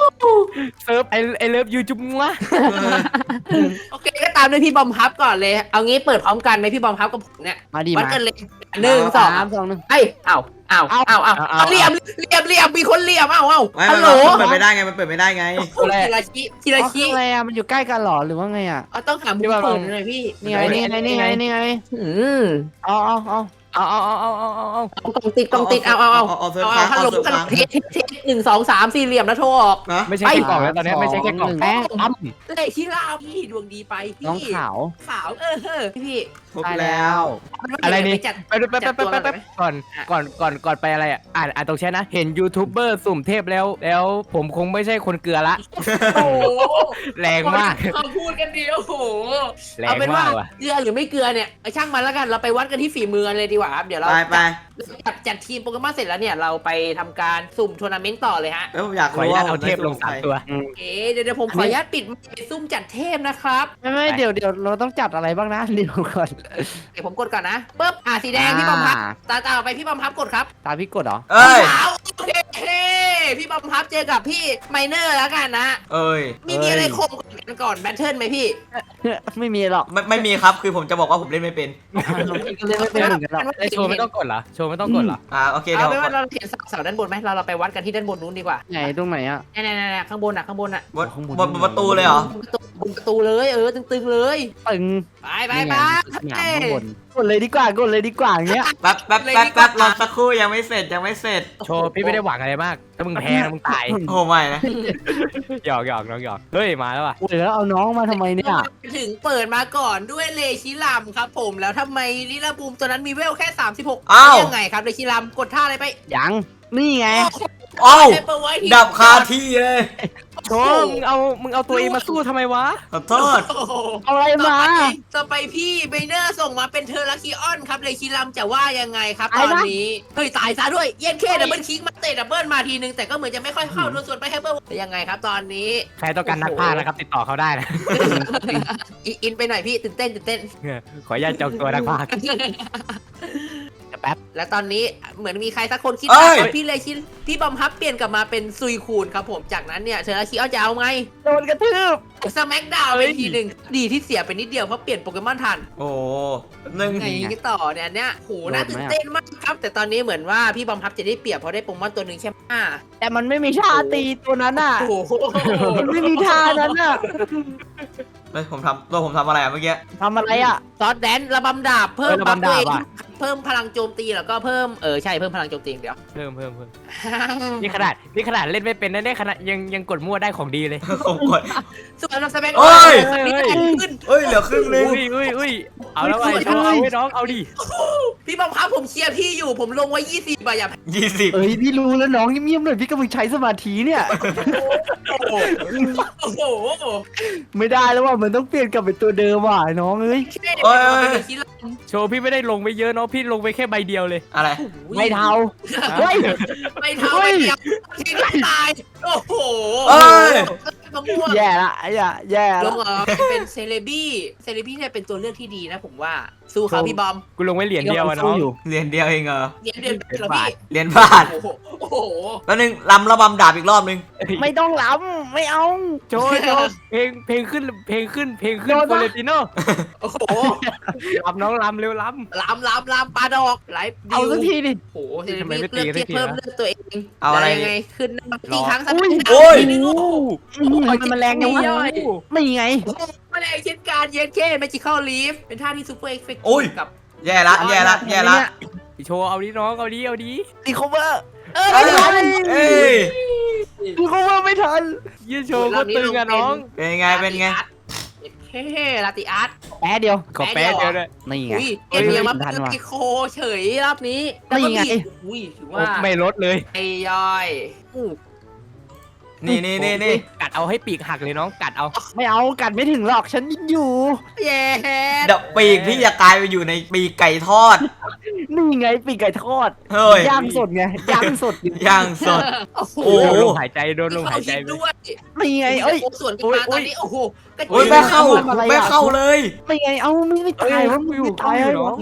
[SPEAKER 2] เซิร์ฟไอไอเลิฟยูจุ๊บวะ
[SPEAKER 4] โอเคก็ตามด้วยพี่บอมฮับก่อนเลยเอางี้เปิดพร้อมกันไหมพี่บอมฮับกับผมเนี่ย
[SPEAKER 3] มาดี
[SPEAKER 4] วัด
[SPEAKER 3] มา
[SPEAKER 4] กันเลยหนึ่งสอง
[SPEAKER 3] สามสองหนึ่ง
[SPEAKER 4] เอ้ยเอาเอาเอาเอาเอาเหลี่ยมเหลี่ยมเหลี่ยมมีคนเหลี่ยมเอาเอา
[SPEAKER 1] ไม่
[SPEAKER 4] ฮั
[SPEAKER 1] มัน
[SPEAKER 4] ลโหล
[SPEAKER 1] มันเปิดไม่ได้ไงมันเปิดไม่ได้ไง
[SPEAKER 4] ทีละชี้ทีละ
[SPEAKER 3] อ๋อคือ
[SPEAKER 4] ชี้
[SPEAKER 3] อะไรอ่ะมันอยู่ใกล้กันเหรอหรือว่าไงอ่ะ
[SPEAKER 4] เอาต้องหามุมเปิดหน่อยพี่
[SPEAKER 3] นี่ไงนี่ไงนี่ไงนี่ไง
[SPEAKER 4] อืม
[SPEAKER 3] เอาเอาเอา
[SPEAKER 2] เอาเอาเอาเอาเอาเอาเอา
[SPEAKER 4] เอากล่องติดกล่องติดเอาเอาเอา
[SPEAKER 1] เอาเซิร์ฟ
[SPEAKER 4] เอา
[SPEAKER 1] ค้าง
[SPEAKER 4] ฮัลโหล
[SPEAKER 1] เอาเซิร์ฟ
[SPEAKER 4] ฮัลโหล
[SPEAKER 1] ค้าง
[SPEAKER 4] เทสเทสเทสหนึ่งสองสามสี่เหลี่ยมแล้วโทรออก
[SPEAKER 1] นะ
[SPEAKER 2] ไม่ใช่แค่กล่องแล้วตอนนี้ไม่ใช่แค่กล่อง
[SPEAKER 3] แม่อ้ำ
[SPEAKER 4] เลขที่ลาวพี่ดวงดีไปพี่
[SPEAKER 3] น้องขาว
[SPEAKER 4] ขาวเออเออพี่
[SPEAKER 1] ครบแล้ว
[SPEAKER 2] อะไรนี่
[SPEAKER 4] จัด
[SPEAKER 2] ไปไปไปไปไปไปก่อนก่อนก่อนก่อนไปอะไรอ่ะอ่านอ่านตรงแชทนะเห็นยูทูบเบอร์สุ่มเทพแล้ว แล้วผมคงไม่ใช่คนเกลือละ
[SPEAKER 4] โอ้โห
[SPEAKER 2] แรงมาก
[SPEAKER 4] เขาพูดกันดีโอ้โห
[SPEAKER 2] แร
[SPEAKER 4] เอา
[SPEAKER 2] ง
[SPEAKER 4] เป็น
[SPEAKER 2] มา
[SPEAKER 4] ว่าก
[SPEAKER 2] ว่ะ
[SPEAKER 4] เกลือหรือไม่เกลือเนี่ยเอาช่างมันแล้วกันเราไปวัดกันที่ฝีมือกันเลยดีกว่าครับเดี๋ยวเรา
[SPEAKER 1] ไปไป
[SPEAKER 4] จัดจัดทีมโปเกมอนเสร็จแล้วเนี่ยเราไปทำการสุ่มทัวร์นาเมนต์ต่อเลยฮะ
[SPEAKER 1] แล้วผมอยาก
[SPEAKER 2] ขออ
[SPEAKER 1] รู้
[SPEAKER 2] นุญา
[SPEAKER 1] ว่า
[SPEAKER 2] ตเอาเทพลงสามตัว
[SPEAKER 4] เอ๊ะเดี๋ยวเดี๋ยวผมขออนุญาตปิดไมค์ซุ่มจัดเทพนะครับ
[SPEAKER 3] ไม่ไม่เดี๋ยวเดี๋ยวเราต้องจัดอะไรบ้างนะเดี๋ยวก่อน
[SPEAKER 4] เดี๋ยวผมกดก่อนนะปึ๊บอ่ะสีแดงพี่บอมพับตาตาไปพี่บอมพับกดครับ
[SPEAKER 3] ตามพี่กดเหรอ
[SPEAKER 1] เอ้ย
[SPEAKER 4] ขาวโอเคพี่บอมพับเจอกับพี่ไมเนอร์แล้วกันนะ
[SPEAKER 1] เอ้ย
[SPEAKER 4] มีมีอะไรคมกันก่อนแบทเทิลไหมพี่
[SPEAKER 3] ไม่มีหรอก
[SPEAKER 1] ไม่ไม่มีครับคือผมจะบอกว่าผมเล่นไม่เป็น
[SPEAKER 3] พี่ก็เล่นไม่เป็นเหมือนกันหรอก
[SPEAKER 2] ไอโชว์ไม่ต้องกดเหรอโชว์ไม่ต้องกดเหรอ
[SPEAKER 1] อ่าโอเค
[SPEAKER 4] เอา
[SPEAKER 1] เดี๋ยว
[SPEAKER 4] ไปว่าเราเห็นเสาด้านบนไหมเราเราไปวัดกันที่ด้านบนนู้นดีกว่า
[SPEAKER 3] ไหนตรงไหนอ่ะ
[SPEAKER 4] นี่นี่นี่ข้างบนอ่ะข้างบนอ่ะ
[SPEAKER 1] บนบนบนประตูเลยเหรอ
[SPEAKER 4] ประตูบนประตูเลยเออตึงๆเลย
[SPEAKER 3] ตึง
[SPEAKER 4] ไปไป
[SPEAKER 3] นี่
[SPEAKER 4] ไป
[SPEAKER 3] ไงสนามข้างบนกดเลยดีกว่ากดเลยดีกว่าอย่างเงี้ย
[SPEAKER 1] แป๊บแป๊บแป๊บแป๊บรอสักครู่ยังไม่เสร็จยังไม่เสร็จ
[SPEAKER 2] โชว์พี่ไม่ได้หวังอะไรมากถ้ามึงแพ้นะมึงตาย
[SPEAKER 1] โอ้ไม่นะ
[SPEAKER 2] หยอกหยอกน้องหยอกเฮ้ยมาแล้วว่ะ
[SPEAKER 3] โอ้ยแล้วเอาน้องมาทำไมเนี่ย
[SPEAKER 4] ถึงเปิดมาก่อนด้วยเลชิลัมครับผมแล้วทำไมลิลาบูมตัวนั้นมีเวลแค่สามสิบหก
[SPEAKER 1] อ้าว
[SPEAKER 4] ยังไงครับเลชิลัมกดท่าอะไรไป
[SPEAKER 3] ยังนี่ไง
[SPEAKER 1] เอ้า
[SPEAKER 4] เปเปอร์ไว้ที่
[SPEAKER 1] ดับคาที่เลย
[SPEAKER 2] โชว์มึงเอามึงเอาตัวเองมาสู้ทำไมวะ
[SPEAKER 1] ขอโทษ
[SPEAKER 4] โอ้โห
[SPEAKER 3] เอาอะไร
[SPEAKER 4] ต่อ
[SPEAKER 3] มา
[SPEAKER 4] ไปต่อไปพี่เบเนอร์ส่งมาเป็นเทอร์ลาคิออนครับเลชิลัมจะว่ายังไงครับตอนนี้เฮ้ยตายซะด้วยเย็นเคดับเบิลคิกมาเตะดับเบิลมาทีนึงแต่ก็เหมือนจะไม่ค่อยเข้าโดนส่วนไปแฮปเปอร์ยังไงครับตอนนี้
[SPEAKER 2] ใครต้องการนักพากย์นะครับติดต่อเขาได้นะ
[SPEAKER 4] อิอินไปหน่อยพี่ตื่นเต้นตื่นเต้น
[SPEAKER 2] ขออนุญาตจองตัวนักพากย์
[SPEAKER 3] แป๊บ
[SPEAKER 4] และตอนนี้เหมือนมีใครสักคนคิด
[SPEAKER 1] เอ้
[SPEAKER 4] ว่าย พี่เลยคิดพี่บอมฮับเปลี่ยนกลับมาเป็นซุยคูนครับผมจากนั้นเนี่ยเชอร์คิออนจะเอาไง
[SPEAKER 3] โดนกระทืบ
[SPEAKER 4] สแมกดาวเป็นทีหนึ่งดีที่เสียไปนิดเดียวเพราะเปลี่ยนโปเกมอนทัน
[SPEAKER 1] โอ้หนึ่ง
[SPEAKER 4] ไงกันต่อเนี่ยเนี่ยโหน่าตื่นเต้นมากครับ แต่ตอนนี้เหมือนว่าพี่บอมฮับจะได้เปรียบเพราะได้โปเกมอนตัวหนึ่งแค่ห้า
[SPEAKER 3] แต่มันไม่มีท่าตีตัวนั้นอ่ะ
[SPEAKER 4] โอ้โห
[SPEAKER 3] มันไม่มีท่านั้นอ่ะ
[SPEAKER 1] เฮ้ยผมทำตัวผมทำอะไรอะเมื่อกี้
[SPEAKER 3] ทำอะไรอ่ะ
[SPEAKER 4] ซอสแดนระบำดาบเพิ่มบัฟตัวเองเพิ่มพลังโจมตีแล้วก็เพิ่มเออใช่เพิ่มพลังโจมตีอย่างเดียว
[SPEAKER 2] เพิ่มเพิ่มเพิ่มนี่ขนาดนี่ขนาดเล่นไม่เป็นนะเนี่ยขนาดยังยังกดมั่วได้ของดีเลย
[SPEAKER 1] ผมกด
[SPEAKER 4] ส่วนสแมก
[SPEAKER 1] เอ้ย
[SPEAKER 4] นี่ขึ้น
[SPEAKER 1] เอ้ยเหลือครึ่งนึง
[SPEAKER 2] อุ้ยอุ้ยอุ้ยเอาแล้วไอ้โชว์เอาไว้น้องเอาดิ
[SPEAKER 4] พี่บอมฮับผมเชียร์พี่อยู่ผมลงไว้ยี่สิบอะอย่า
[SPEAKER 1] ยี่สิบ
[SPEAKER 3] เอ้ยพี่รู้แล้วน้องเงียบๆหน่อยพี่กำลังใช้สมาธิเนี่ย
[SPEAKER 4] โอ้โหโอ้โห
[SPEAKER 3] ไม่ได้แล้วว่ามันต้องเปลี่ยนกลับเป็นตัวเดิมว่ะน้องเอ้ย
[SPEAKER 1] เอ้ย
[SPEAKER 2] โชว์พี่ไม่ได้ลงไปเยอะเนาะพี่ลงไปแค่ใบเดียวเลย
[SPEAKER 1] อะไร
[SPEAKER 3] ไม่เทาเฮ้ย
[SPEAKER 4] ไม่เท่าไม่เดียวทีนี้ตายโอ้โห
[SPEAKER 1] เอ้ย
[SPEAKER 4] มะม่วง
[SPEAKER 3] แย่ละไอ้อะแย่
[SPEAKER 4] ล
[SPEAKER 3] ละ
[SPEAKER 4] งเออเป็นเซเลบี้เซเลบี้เนี่ยเป็นตัวเลือกที่ดีนะผมว่าสู้เขาพี่บอม
[SPEAKER 2] กูลงไว้เหรียญเดียวอะน้อง
[SPEAKER 3] อยู่
[SPEAKER 1] เหรียญเดียวเองเหรอ
[SPEAKER 4] เดี๋ยวเดี๋ยวเดี๋ยวพี่
[SPEAKER 1] เหรียญบาท
[SPEAKER 4] โอ้โหโอ้โห
[SPEAKER 1] แล้วนึงลำระบำดาบอีกรอบนึง
[SPEAKER 3] ไม่ต้องล้ำไม่เอา
[SPEAKER 2] โชว์โชว์เพลงเพลงขึ้นเพลงขึ้นเพลงขึ้น
[SPEAKER 3] โดน
[SPEAKER 2] โฟ
[SPEAKER 3] ปะ
[SPEAKER 2] เลติโน่
[SPEAKER 4] โอ้โห
[SPEAKER 2] ลำน้องลำเร็วล
[SPEAKER 4] ลามลามลามปลาดอกไหล
[SPEAKER 3] เอาสักทีดิ
[SPEAKER 4] โอ้โหเซเล
[SPEAKER 2] ทำไม
[SPEAKER 4] บี้
[SPEAKER 2] ไม่ตี
[SPEAKER 4] เลือก
[SPEAKER 2] กันสั
[SPEAKER 4] ที่
[SPEAKER 2] กที
[SPEAKER 4] เพิ่ม
[SPEAKER 2] วะ
[SPEAKER 4] เลือกตัวเอง
[SPEAKER 1] เอาอะไร
[SPEAKER 4] ยังไงขึ้นตีครั้งสัก
[SPEAKER 3] อุ้ย
[SPEAKER 1] โอ้ย
[SPEAKER 4] ทีนึงโอ้โห
[SPEAKER 3] อืมมันมันแรงยังวะ
[SPEAKER 4] ย่อย
[SPEAKER 3] ไม่ไง
[SPEAKER 4] มาแรงเช่นการเย็นเค้แมจิคอลลีฟเป็นท่าที่ซูเปอร์เอฟเฟกต์
[SPEAKER 1] โอ้ย
[SPEAKER 4] กับ
[SPEAKER 1] แย่ละแย่ละแย่ละ
[SPEAKER 2] ำโชว์เอาดิน้องเอาดิเอาดิ
[SPEAKER 3] ตีคอเวอร์
[SPEAKER 4] เออ
[SPEAKER 1] เอ้
[SPEAKER 4] ไม่
[SPEAKER 1] ย
[SPEAKER 4] ทัน
[SPEAKER 1] เอ้ย
[SPEAKER 3] ตีคอเวอร์ไม่ทัน
[SPEAKER 2] ยืนโชว์ก็ตึงอะน้อง
[SPEAKER 1] เป็นไงเป็นไง
[SPEAKER 4] เฮ้ลาติอาร์ต
[SPEAKER 3] แป๊ะเดียว
[SPEAKER 2] ขอแป๊ะเดียวเลย
[SPEAKER 3] นี่ไง
[SPEAKER 4] อุ้ยเอ็นเดียมา
[SPEAKER 3] ทัน
[SPEAKER 4] เป็น
[SPEAKER 3] ว่ะ
[SPEAKER 4] ไอโคเฉยรอบนี้
[SPEAKER 3] นี่ไง
[SPEAKER 4] แล้วก็มีอุ้ยถือว่า
[SPEAKER 2] ไม่ลดเลย
[SPEAKER 4] ไอย่อยอู้
[SPEAKER 1] นี่นี่นี่นี่
[SPEAKER 2] กัดเอาให้ปีกหักเลยน้องกัดเอา
[SPEAKER 3] ไม่เอากัดไม่ถึงหรอกฉันยังอยู่
[SPEAKER 4] เย้
[SPEAKER 1] เดี๋ยวปีกพี่จะกลายไปอยู่ในปีกไก่ทอด
[SPEAKER 3] นี่ไงปีกไก่ทอด
[SPEAKER 1] เฮ้ย
[SPEAKER 3] ย่างสดไงย่างสดอยู่
[SPEAKER 1] ย่างสด
[SPEAKER 4] โอ้โห
[SPEAKER 1] โอ้
[SPEAKER 2] โดนลมหายใจโดนลมหายใจ
[SPEAKER 4] มี
[SPEAKER 2] ไป
[SPEAKER 4] ด้วย
[SPEAKER 3] นี่ไงเอ้ย
[SPEAKER 4] โอ้ส่วนกันมาตอนนี้โอ้โหกระ
[SPEAKER 1] โอ้ย
[SPEAKER 4] จิ๋ว
[SPEAKER 1] ไม่เข้า
[SPEAKER 3] ทำอะไรอะ
[SPEAKER 1] ไม่เข้าเลย
[SPEAKER 3] ไม่ไงเอาไม่ไม่ตายว่ามึงไม่ตาย
[SPEAKER 2] เอ้ย
[SPEAKER 3] เหรอ
[SPEAKER 4] โอ้โห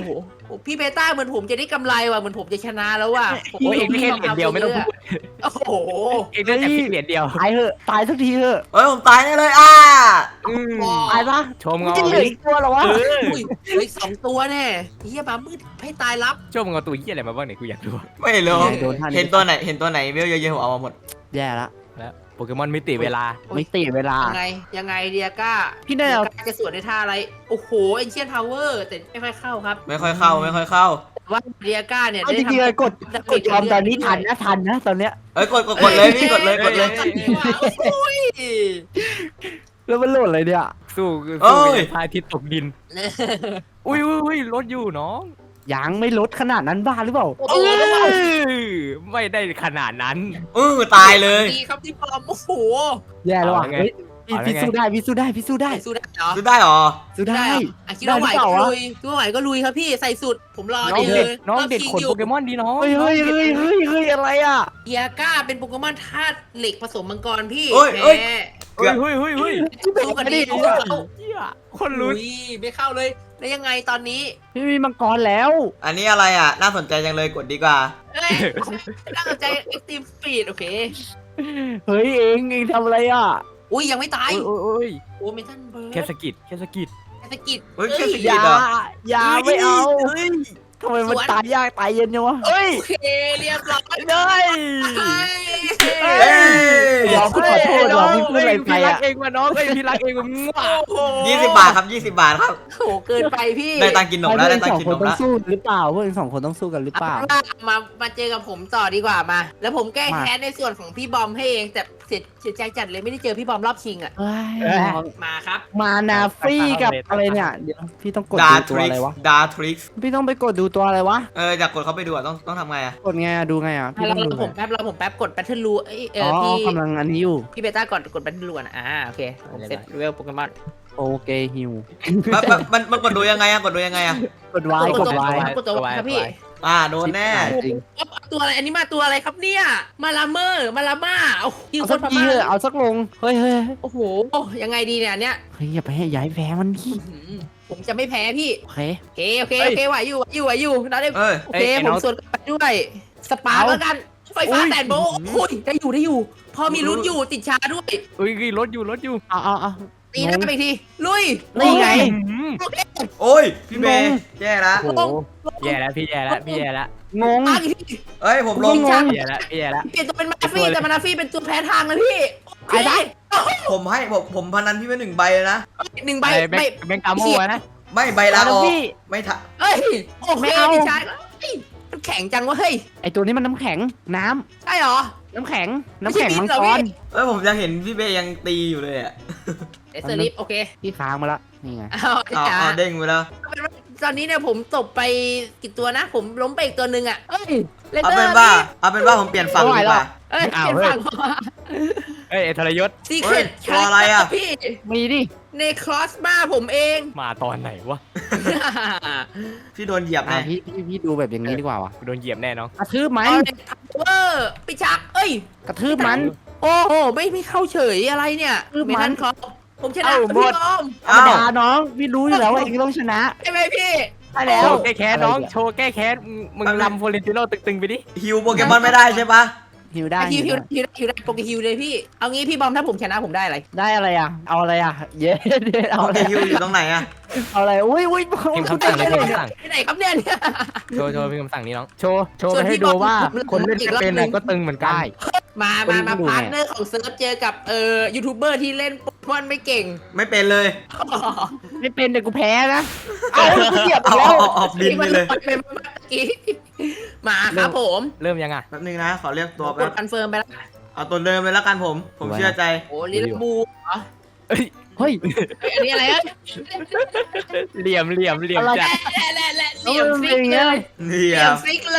[SPEAKER 4] โอ้พี่เบต้าเหมือนผมจะได้กำไรว่ะเหมือนผมจะชนะแล้วว่ะผม
[SPEAKER 2] โอ้ยเองได้แค่เหรียญเดียวไม่ต้องพูด
[SPEAKER 4] โอ้โห
[SPEAKER 2] เองได้แต่เพียงเหรียญเดียว
[SPEAKER 3] ตายเถอะตายสักทีเถอะ
[SPEAKER 1] เฮ้ยผมตายแน่เลยอ่ะ
[SPEAKER 2] อืม
[SPEAKER 3] ตายปะ
[SPEAKER 2] ชมเงา
[SPEAKER 3] จะเหลืออีกตัวเหรอวะ
[SPEAKER 2] เออ
[SPEAKER 4] อุ้ยเหลืออีกสองตัวแน่เฮียมามืดให้ตายรับ
[SPEAKER 2] ชมเงาตัวยี่อะไรมาบ้างเนี่ยกูอยากรู้
[SPEAKER 1] ไม่รู้
[SPEAKER 3] โดนท่า
[SPEAKER 1] เห็นตัวไหนเห็นตัวไหนเวลเยอะๆผมเอามาหมด
[SPEAKER 3] แย่ละ
[SPEAKER 2] แล้วโปเกมอนมิติเวลา
[SPEAKER 3] ไม่ตีเวลา
[SPEAKER 4] ยังไงยังไงเดียก้า
[SPEAKER 3] พี่แนว
[SPEAKER 4] เดียก้าจะสวนในท่าอะไรโอ้โหเอ็นเชียนทาวเวอร์แต่ไม่ค่อยเข้าครับ
[SPEAKER 1] ไม่ค่อยเข้าไม่ค่อยเข้า
[SPEAKER 4] แต่ว่าเดียก้าเนี่ย
[SPEAKER 3] เอาจ
[SPEAKER 4] ได้
[SPEAKER 3] ริงๆเลยกด
[SPEAKER 4] ทำ
[SPEAKER 3] กดยอมตอนนี้ทันนะทันนะตอนเนี้ย
[SPEAKER 1] เอ้ยกดกดกดเลยพี่กดเลยกดเลย
[SPEAKER 4] โอ้ย
[SPEAKER 3] แล้วมันโหลดอะไรเนี่ย
[SPEAKER 2] สู้
[SPEAKER 1] เอ้
[SPEAKER 2] สู้
[SPEAKER 1] ย
[SPEAKER 2] กับพระอาทิตย์ตกดิน อุ้ยอุ้ยอุ้ยรถอยู่น้อง
[SPEAKER 3] ยังไม่ลดขนาดนั้นบ้าหรือเปล่า
[SPEAKER 4] โอ้
[SPEAKER 2] เอ
[SPEAKER 4] โห
[SPEAKER 2] อไม่ได้ขนาดนั้น
[SPEAKER 1] เออตายเลย
[SPEAKER 4] ดีครับที่ปลอมโอ้โห
[SPEAKER 3] แย่แล้วอ่ะ
[SPEAKER 2] เอาไง
[SPEAKER 3] เฮ้ยพี่
[SPEAKER 2] เอาไง
[SPEAKER 3] พี่สู้ได้พี่สู้ได้พี่สู้ได้
[SPEAKER 4] สู้ได้เหรอ
[SPEAKER 1] ซื้อได้หรอ
[SPEAKER 3] สู้ได้
[SPEAKER 4] เหรออ่ะคิดว่าไหว
[SPEAKER 3] ได้หรือเป
[SPEAKER 4] ก็
[SPEAKER 3] ล่าวะ
[SPEAKER 4] ลุยคิดว่าไหวก็ลุยครับพี่ใส่สุดผมรอ
[SPEAKER 2] น้อง
[SPEAKER 4] ได้เล
[SPEAKER 2] เด็ด
[SPEAKER 4] ย
[SPEAKER 2] น้องเด็ด
[SPEAKER 4] รบ
[SPEAKER 2] ขน
[SPEAKER 4] ชิง
[SPEAKER 2] โปเกมอนดีน้อง
[SPEAKER 3] เฮ้ยเฮ้ยเฮ้ยเฮ้ยเฮ้ยอะไรอ่ะ
[SPEAKER 4] เดียก้าเป็นโปเกมอนธาตุเหล็กผสมมังกรพี่
[SPEAKER 1] เอ้ยเอ้ย
[SPEAKER 4] แหม
[SPEAKER 2] เฮ้ยเฮ้ยเฮ้ยเฮ้ย
[SPEAKER 4] สู้กันดี
[SPEAKER 3] ไม่
[SPEAKER 4] เอา
[SPEAKER 3] ได้
[SPEAKER 4] เอา
[SPEAKER 2] เหี้ยคน
[SPEAKER 4] ลุ
[SPEAKER 2] ลุ้น
[SPEAKER 4] ยไม่เข้าเลยแล้วยังไงตอนนี้
[SPEAKER 3] พี่มีมังกรแล้ว
[SPEAKER 1] อันนี้อะไรอ่ะน่าสนใจจังเลยกดดีกว่า
[SPEAKER 4] เอ้ยน่าสนใจ Extreme Speed โอเค
[SPEAKER 3] เฮ้ยเองเองทำอะไรอ่ะ
[SPEAKER 4] อุ้ยยังไม่ตาย
[SPEAKER 2] โอ้ยโอ้ย
[SPEAKER 4] โอ้เมทันเบิร์ด
[SPEAKER 2] แค่สะกิดแค่สะกิด
[SPEAKER 4] สกิด
[SPEAKER 1] เฮ้ยแค่ส
[SPEAKER 3] อ
[SPEAKER 1] กิด
[SPEAKER 3] ย่า
[SPEAKER 1] เหรอ
[SPEAKER 3] อย่าไม่เอา
[SPEAKER 1] เฮ้ย
[SPEAKER 3] ทำไมมันตายยากตายเย็นจังวะ
[SPEAKER 2] เฮ้ย
[SPEAKER 4] โอเคเรียบร้อย
[SPEAKER 2] เลย
[SPEAKER 1] เอ้ย
[SPEAKER 3] ยอมพี่ขอโทษยอมพี่พูดอะไรไป
[SPEAKER 2] พี่รัก
[SPEAKER 3] อ่ะ
[SPEAKER 2] เองมาน้องเอ้ยพี่รักเองมามั่ว
[SPEAKER 4] โอ้โห
[SPEAKER 1] ยี่สิบบาทครับยี่สิบบาทครับ
[SPEAKER 4] โหเกินไปพี่
[SPEAKER 1] ได้ตังค์กินนมแล้วได้ตัง
[SPEAKER 3] สอ
[SPEAKER 1] ค์
[SPEAKER 3] ง
[SPEAKER 1] กิน
[SPEAKER 3] คน
[SPEAKER 1] นม
[SPEAKER 3] ต้อ
[SPEAKER 1] แล้
[SPEAKER 3] ง
[SPEAKER 1] ว
[SPEAKER 3] สู้หรือเปล่าพวกเองสองคนต้องสู้กันหรือเปล่า
[SPEAKER 4] เอาล่ะมามาเจอกับผมต่อดีกว่ามา แล้วผมแก้
[SPEAKER 3] มา
[SPEAKER 4] แค้นในส่วนของพี่บอมให้เองแต่เสียเสียใจจัดเลยไม่ได้เจอพี่บอมรอบชิงอ่ะ
[SPEAKER 3] เฮ้ย
[SPEAKER 4] มาครับ
[SPEAKER 3] มานาฟรีกับอะไรเนี่ยเดี๋ยวพี่ต้องกด
[SPEAKER 1] ดา
[SPEAKER 3] ดู
[SPEAKER 1] ท
[SPEAKER 3] ตัว
[SPEAKER 1] ริ
[SPEAKER 3] อะ
[SPEAKER 1] ก
[SPEAKER 3] ไร
[SPEAKER 1] ซ์
[SPEAKER 3] วะ
[SPEAKER 1] ดาทริกซ์
[SPEAKER 3] พี่ต้องไปกดดูตัวอะไรวะ
[SPEAKER 1] เอออยากกดเขาไปดูอ่ะต้องต้องทำไงอ่ะ
[SPEAKER 3] กดไงอะดูไงอะพี่
[SPEAKER 4] เรา
[SPEAKER 3] ต้องดู
[SPEAKER 4] ผม
[SPEAKER 3] ไง
[SPEAKER 4] แป๊บเราผมแป๊บกดแบทเทิลรูเอ้ยเอ
[SPEAKER 3] อ๋
[SPEAKER 4] อ
[SPEAKER 3] อ
[SPEAKER 4] พี่
[SPEAKER 3] กำลังอันนี้อยู่
[SPEAKER 4] พี่เบต้าก่อนกดแบทเทิลรูนะอ่าโอเคผมเสร็จเวลโปเกมอน
[SPEAKER 3] โอเคฮิว
[SPEAKER 1] มันมันมันมันกดดูยังไงอ่ะกดดูยังไงอ่ะ
[SPEAKER 3] กดไว้กดไว้
[SPEAKER 4] กดตัวครับพี่
[SPEAKER 1] อ่าโดนแน่
[SPEAKER 3] จริง
[SPEAKER 4] ตัวอะไรอันนี้มาตัวอะไรครับเนี่ยมาลาเมอร์มาลาม่าเอายิง
[SPEAKER 3] เอา
[SPEAKER 4] ค
[SPEAKER 3] สั
[SPEAKER 4] น
[SPEAKER 3] ก
[SPEAKER 4] พ
[SPEAKER 3] ที
[SPEAKER 4] ม่า
[SPEAKER 3] เถอะเอาสักลงเฮ้ยเฮ้ย
[SPEAKER 4] โอ้โหยังไงดีเนี่ยอันเนี้ย
[SPEAKER 3] เฮ้ยอย่าไปให้ย้ายแพ้มันพี่
[SPEAKER 4] อื้อหือผมจะไม่แพ้พี่
[SPEAKER 3] โอเค
[SPEAKER 4] โอเคโอเคโอเคไหวอยู่ไหวอยู่ไหวอยู่นะได้
[SPEAKER 1] เอ้ย
[SPEAKER 4] โอเคผมสวนกลับไปด้วยสปาร์คแล้วกันไฟฟ้าแสนโบว์โอ้ยได้อยู่ได้อยู่ พอมีลุ้นอยู่ติดชาด้วย
[SPEAKER 2] เฮ้ยรถอยู่รถอยู่
[SPEAKER 3] เอาเอาเอา
[SPEAKER 4] ตีหน้าไปอีกทีลุย
[SPEAKER 3] นี่ไง
[SPEAKER 2] อืม
[SPEAKER 4] โอเค
[SPEAKER 1] โอ้ยพี่เมย์แย่ละ
[SPEAKER 2] โอ้โหแย่แล้วพี่แย่แล้วพี่แย่แล้ว
[SPEAKER 3] งง
[SPEAKER 4] มาอีกที
[SPEAKER 1] เอ้ยผมลง
[SPEAKER 3] งง
[SPEAKER 2] พี่แย่แล้วพี่แย่แล้ว
[SPEAKER 4] เปลี่ยนตัวเป็นมาฟี่แต่มานาฟี่เป็นตัวแพ้ทางนะพี่
[SPEAKER 3] ไอ้ได้
[SPEAKER 1] ผมให้ผมผมพนันพี่ไปหนึ่งใบเลยนะ
[SPEAKER 4] หนึ่งใบ
[SPEAKER 2] ไปแบ
[SPEAKER 4] ใบ
[SPEAKER 2] งค์แบงค์กาโม่นะ
[SPEAKER 1] ไม่ใบละออก
[SPEAKER 3] พี่
[SPEAKER 1] ไม่ทะ
[SPEAKER 4] เอ้ยโอเค
[SPEAKER 3] ไม่เอา
[SPEAKER 4] ติดชาเฮ้ยมันแข็งจังวะเฮ้ย
[SPEAKER 3] ไอตัวนี้มันน้ำแข็งน้ำ
[SPEAKER 4] ใช่เหรอ
[SPEAKER 3] น้ำแข็ง
[SPEAKER 4] ไม่
[SPEAKER 3] น้ำ
[SPEAKER 4] ใช่
[SPEAKER 3] แข็ง
[SPEAKER 4] บิน
[SPEAKER 3] มัง
[SPEAKER 4] เหรอก
[SPEAKER 3] ร
[SPEAKER 4] พี่
[SPEAKER 1] เอ้ยผมยังเห็นพี่เบย์ยังตีอยู่เลยอ่ะ
[SPEAKER 4] เอสเซอร์ลิฟโอเค
[SPEAKER 3] พี่ค้างมาละนี่ไง
[SPEAKER 4] เอา
[SPEAKER 1] เอา
[SPEAKER 4] จ้า
[SPEAKER 1] เอาเด้งไปแล้ว
[SPEAKER 4] ตอนนี้เนี่ยผมตบไปกี่ตัวนะ ผมล้มไปอีกตัวหนึ่งอ่ะเอ้ยเล
[SPEAKER 1] เอา
[SPEAKER 4] เตอ
[SPEAKER 1] เป็น
[SPEAKER 4] ร์
[SPEAKER 1] ว่าเอาเป็นว่าผมเปลี่ยนฝั่งดีกว่า
[SPEAKER 4] เอ้ยเปลี่ยนฝั่ง
[SPEAKER 2] เอ้ยทรยศ
[SPEAKER 4] ซีเค
[SPEAKER 1] เฮ้
[SPEAKER 4] ร
[SPEAKER 1] ย
[SPEAKER 4] ต
[SPEAKER 1] ตัวอะไรอะ
[SPEAKER 4] พี่
[SPEAKER 3] มีดิ
[SPEAKER 4] ในคลอสบ้าผมเอง
[SPEAKER 2] มาตอนไหนวะ
[SPEAKER 1] พี่โดนเหยียบ
[SPEAKER 3] อ่ะ
[SPEAKER 1] ไง
[SPEAKER 3] พี่พี่พี่ดูแบบอย่างนี้ดีกว่าว่ะ
[SPEAKER 2] โดนเหยียบแน่น้อง
[SPEAKER 3] กระทืบไหม
[SPEAKER 4] เอาในพัเวอร์ปิชักเอ้ย
[SPEAKER 3] กระทืบมัน
[SPEAKER 4] โอ้โหไม่ไม่เข้าเฉยอะไรเนี่ย
[SPEAKER 3] คือมัน
[SPEAKER 4] ไม่ทันครับผมชนะ
[SPEAKER 2] เอ้า
[SPEAKER 4] พี่
[SPEAKER 2] หมด
[SPEAKER 4] บอม
[SPEAKER 3] ธรรมดาน้องพี่รู้อยู่แล้วว่าเองต้องชนะ
[SPEAKER 4] ใช่ไหมพี่
[SPEAKER 3] ใช่แล้ว
[SPEAKER 2] โชว์แก้แค้นน้องโชว์แก้แค้นมึงลำโฟเรนติโนตึงๆไปดิ
[SPEAKER 1] ฮิวโปเกมอนไม่ได้ใช่ปะ
[SPEAKER 3] ฮิวได้
[SPEAKER 4] ฮิวฮิว
[SPEAKER 3] ฮิวได้
[SPEAKER 4] ฮิวได้ฮิวได้โปรแกรมฮิวเลยพี่ เอางี้พี่บอมถ้าผมชนะผมได้อะไร
[SPEAKER 3] ได้อะไรอ่ะ เอาอะไรอ่ะ เย้เย้เอา
[SPEAKER 1] โอ
[SPEAKER 3] อะ
[SPEAKER 1] เค
[SPEAKER 3] ไร
[SPEAKER 1] ฮิวอยู่ตรงไหนอะ
[SPEAKER 3] เอาอะไรอุ้ยอุ้ย
[SPEAKER 2] พิมพ์คำสั่งเลยพิมพ์คำสั่ง
[SPEAKER 4] ที่ไหนครับเนี่ยเนี่ย
[SPEAKER 2] โชว์โชว์พิมพ์คำสั่งนี้น้องโชว์โชว์
[SPEAKER 4] ส่
[SPEAKER 2] ไป
[SPEAKER 4] วน
[SPEAKER 2] ให้
[SPEAKER 4] พี่
[SPEAKER 2] ดู
[SPEAKER 4] บอล
[SPEAKER 2] ว่า
[SPEAKER 4] ผม
[SPEAKER 2] คนเล่น
[SPEAKER 4] อีก
[SPEAKER 2] ไม่
[SPEAKER 4] รอบ
[SPEAKER 2] เป็น
[SPEAKER 4] หนึ่
[SPEAKER 2] น่ะ
[SPEAKER 4] ง
[SPEAKER 2] ก็ตึงเหมือนกัน
[SPEAKER 3] ได้
[SPEAKER 4] มามามาพาร์ทเนอร์ของเซิร์ฟเจอกับเอ่อยูทูบเบอร์ที่เล่นโปเกมอนไม่เก่ง
[SPEAKER 1] ไม่เป็นเลย
[SPEAKER 3] ไม่เป็นแต่กูแพ้นะเอาเหยียบ
[SPEAKER 1] เอา
[SPEAKER 3] แล้ว
[SPEAKER 1] เอาเอาออกดินไปเลย
[SPEAKER 4] เป็นเมื่อกี้มาครับผม
[SPEAKER 2] เริ่มยังอ่ะ
[SPEAKER 1] แป๊บนึงนะขอเรียกตัว
[SPEAKER 4] ก
[SPEAKER 1] แป๊
[SPEAKER 4] ด
[SPEAKER 1] บ
[SPEAKER 4] คอนเฟิร์มไปแล้ว
[SPEAKER 1] เอาตัวเดิมเลยแล้วกันผม ผมเชื่อใจ
[SPEAKER 4] โอ้ลิลบูเหรอ
[SPEAKER 2] เอ้ย
[SPEAKER 3] เฮ้ย
[SPEAKER 4] เฮ้ยอันนี้อะไรเอ้ย
[SPEAKER 2] เหลี่ยมเหลี่ยมเหลี่ยม
[SPEAKER 3] อะไร
[SPEAKER 2] จัด
[SPEAKER 4] แหละแหละแหละ
[SPEAKER 3] เอา
[SPEAKER 4] เหลี่ยม
[SPEAKER 3] มัน
[SPEAKER 4] ฟิ
[SPEAKER 3] เป็น
[SPEAKER 4] ก
[SPEAKER 3] อย่าง
[SPEAKER 4] เล
[SPEAKER 3] เงี้ย
[SPEAKER 4] ย
[SPEAKER 1] นี่
[SPEAKER 4] เหลี่ย
[SPEAKER 1] อ่ะ
[SPEAKER 4] มฟิกเลย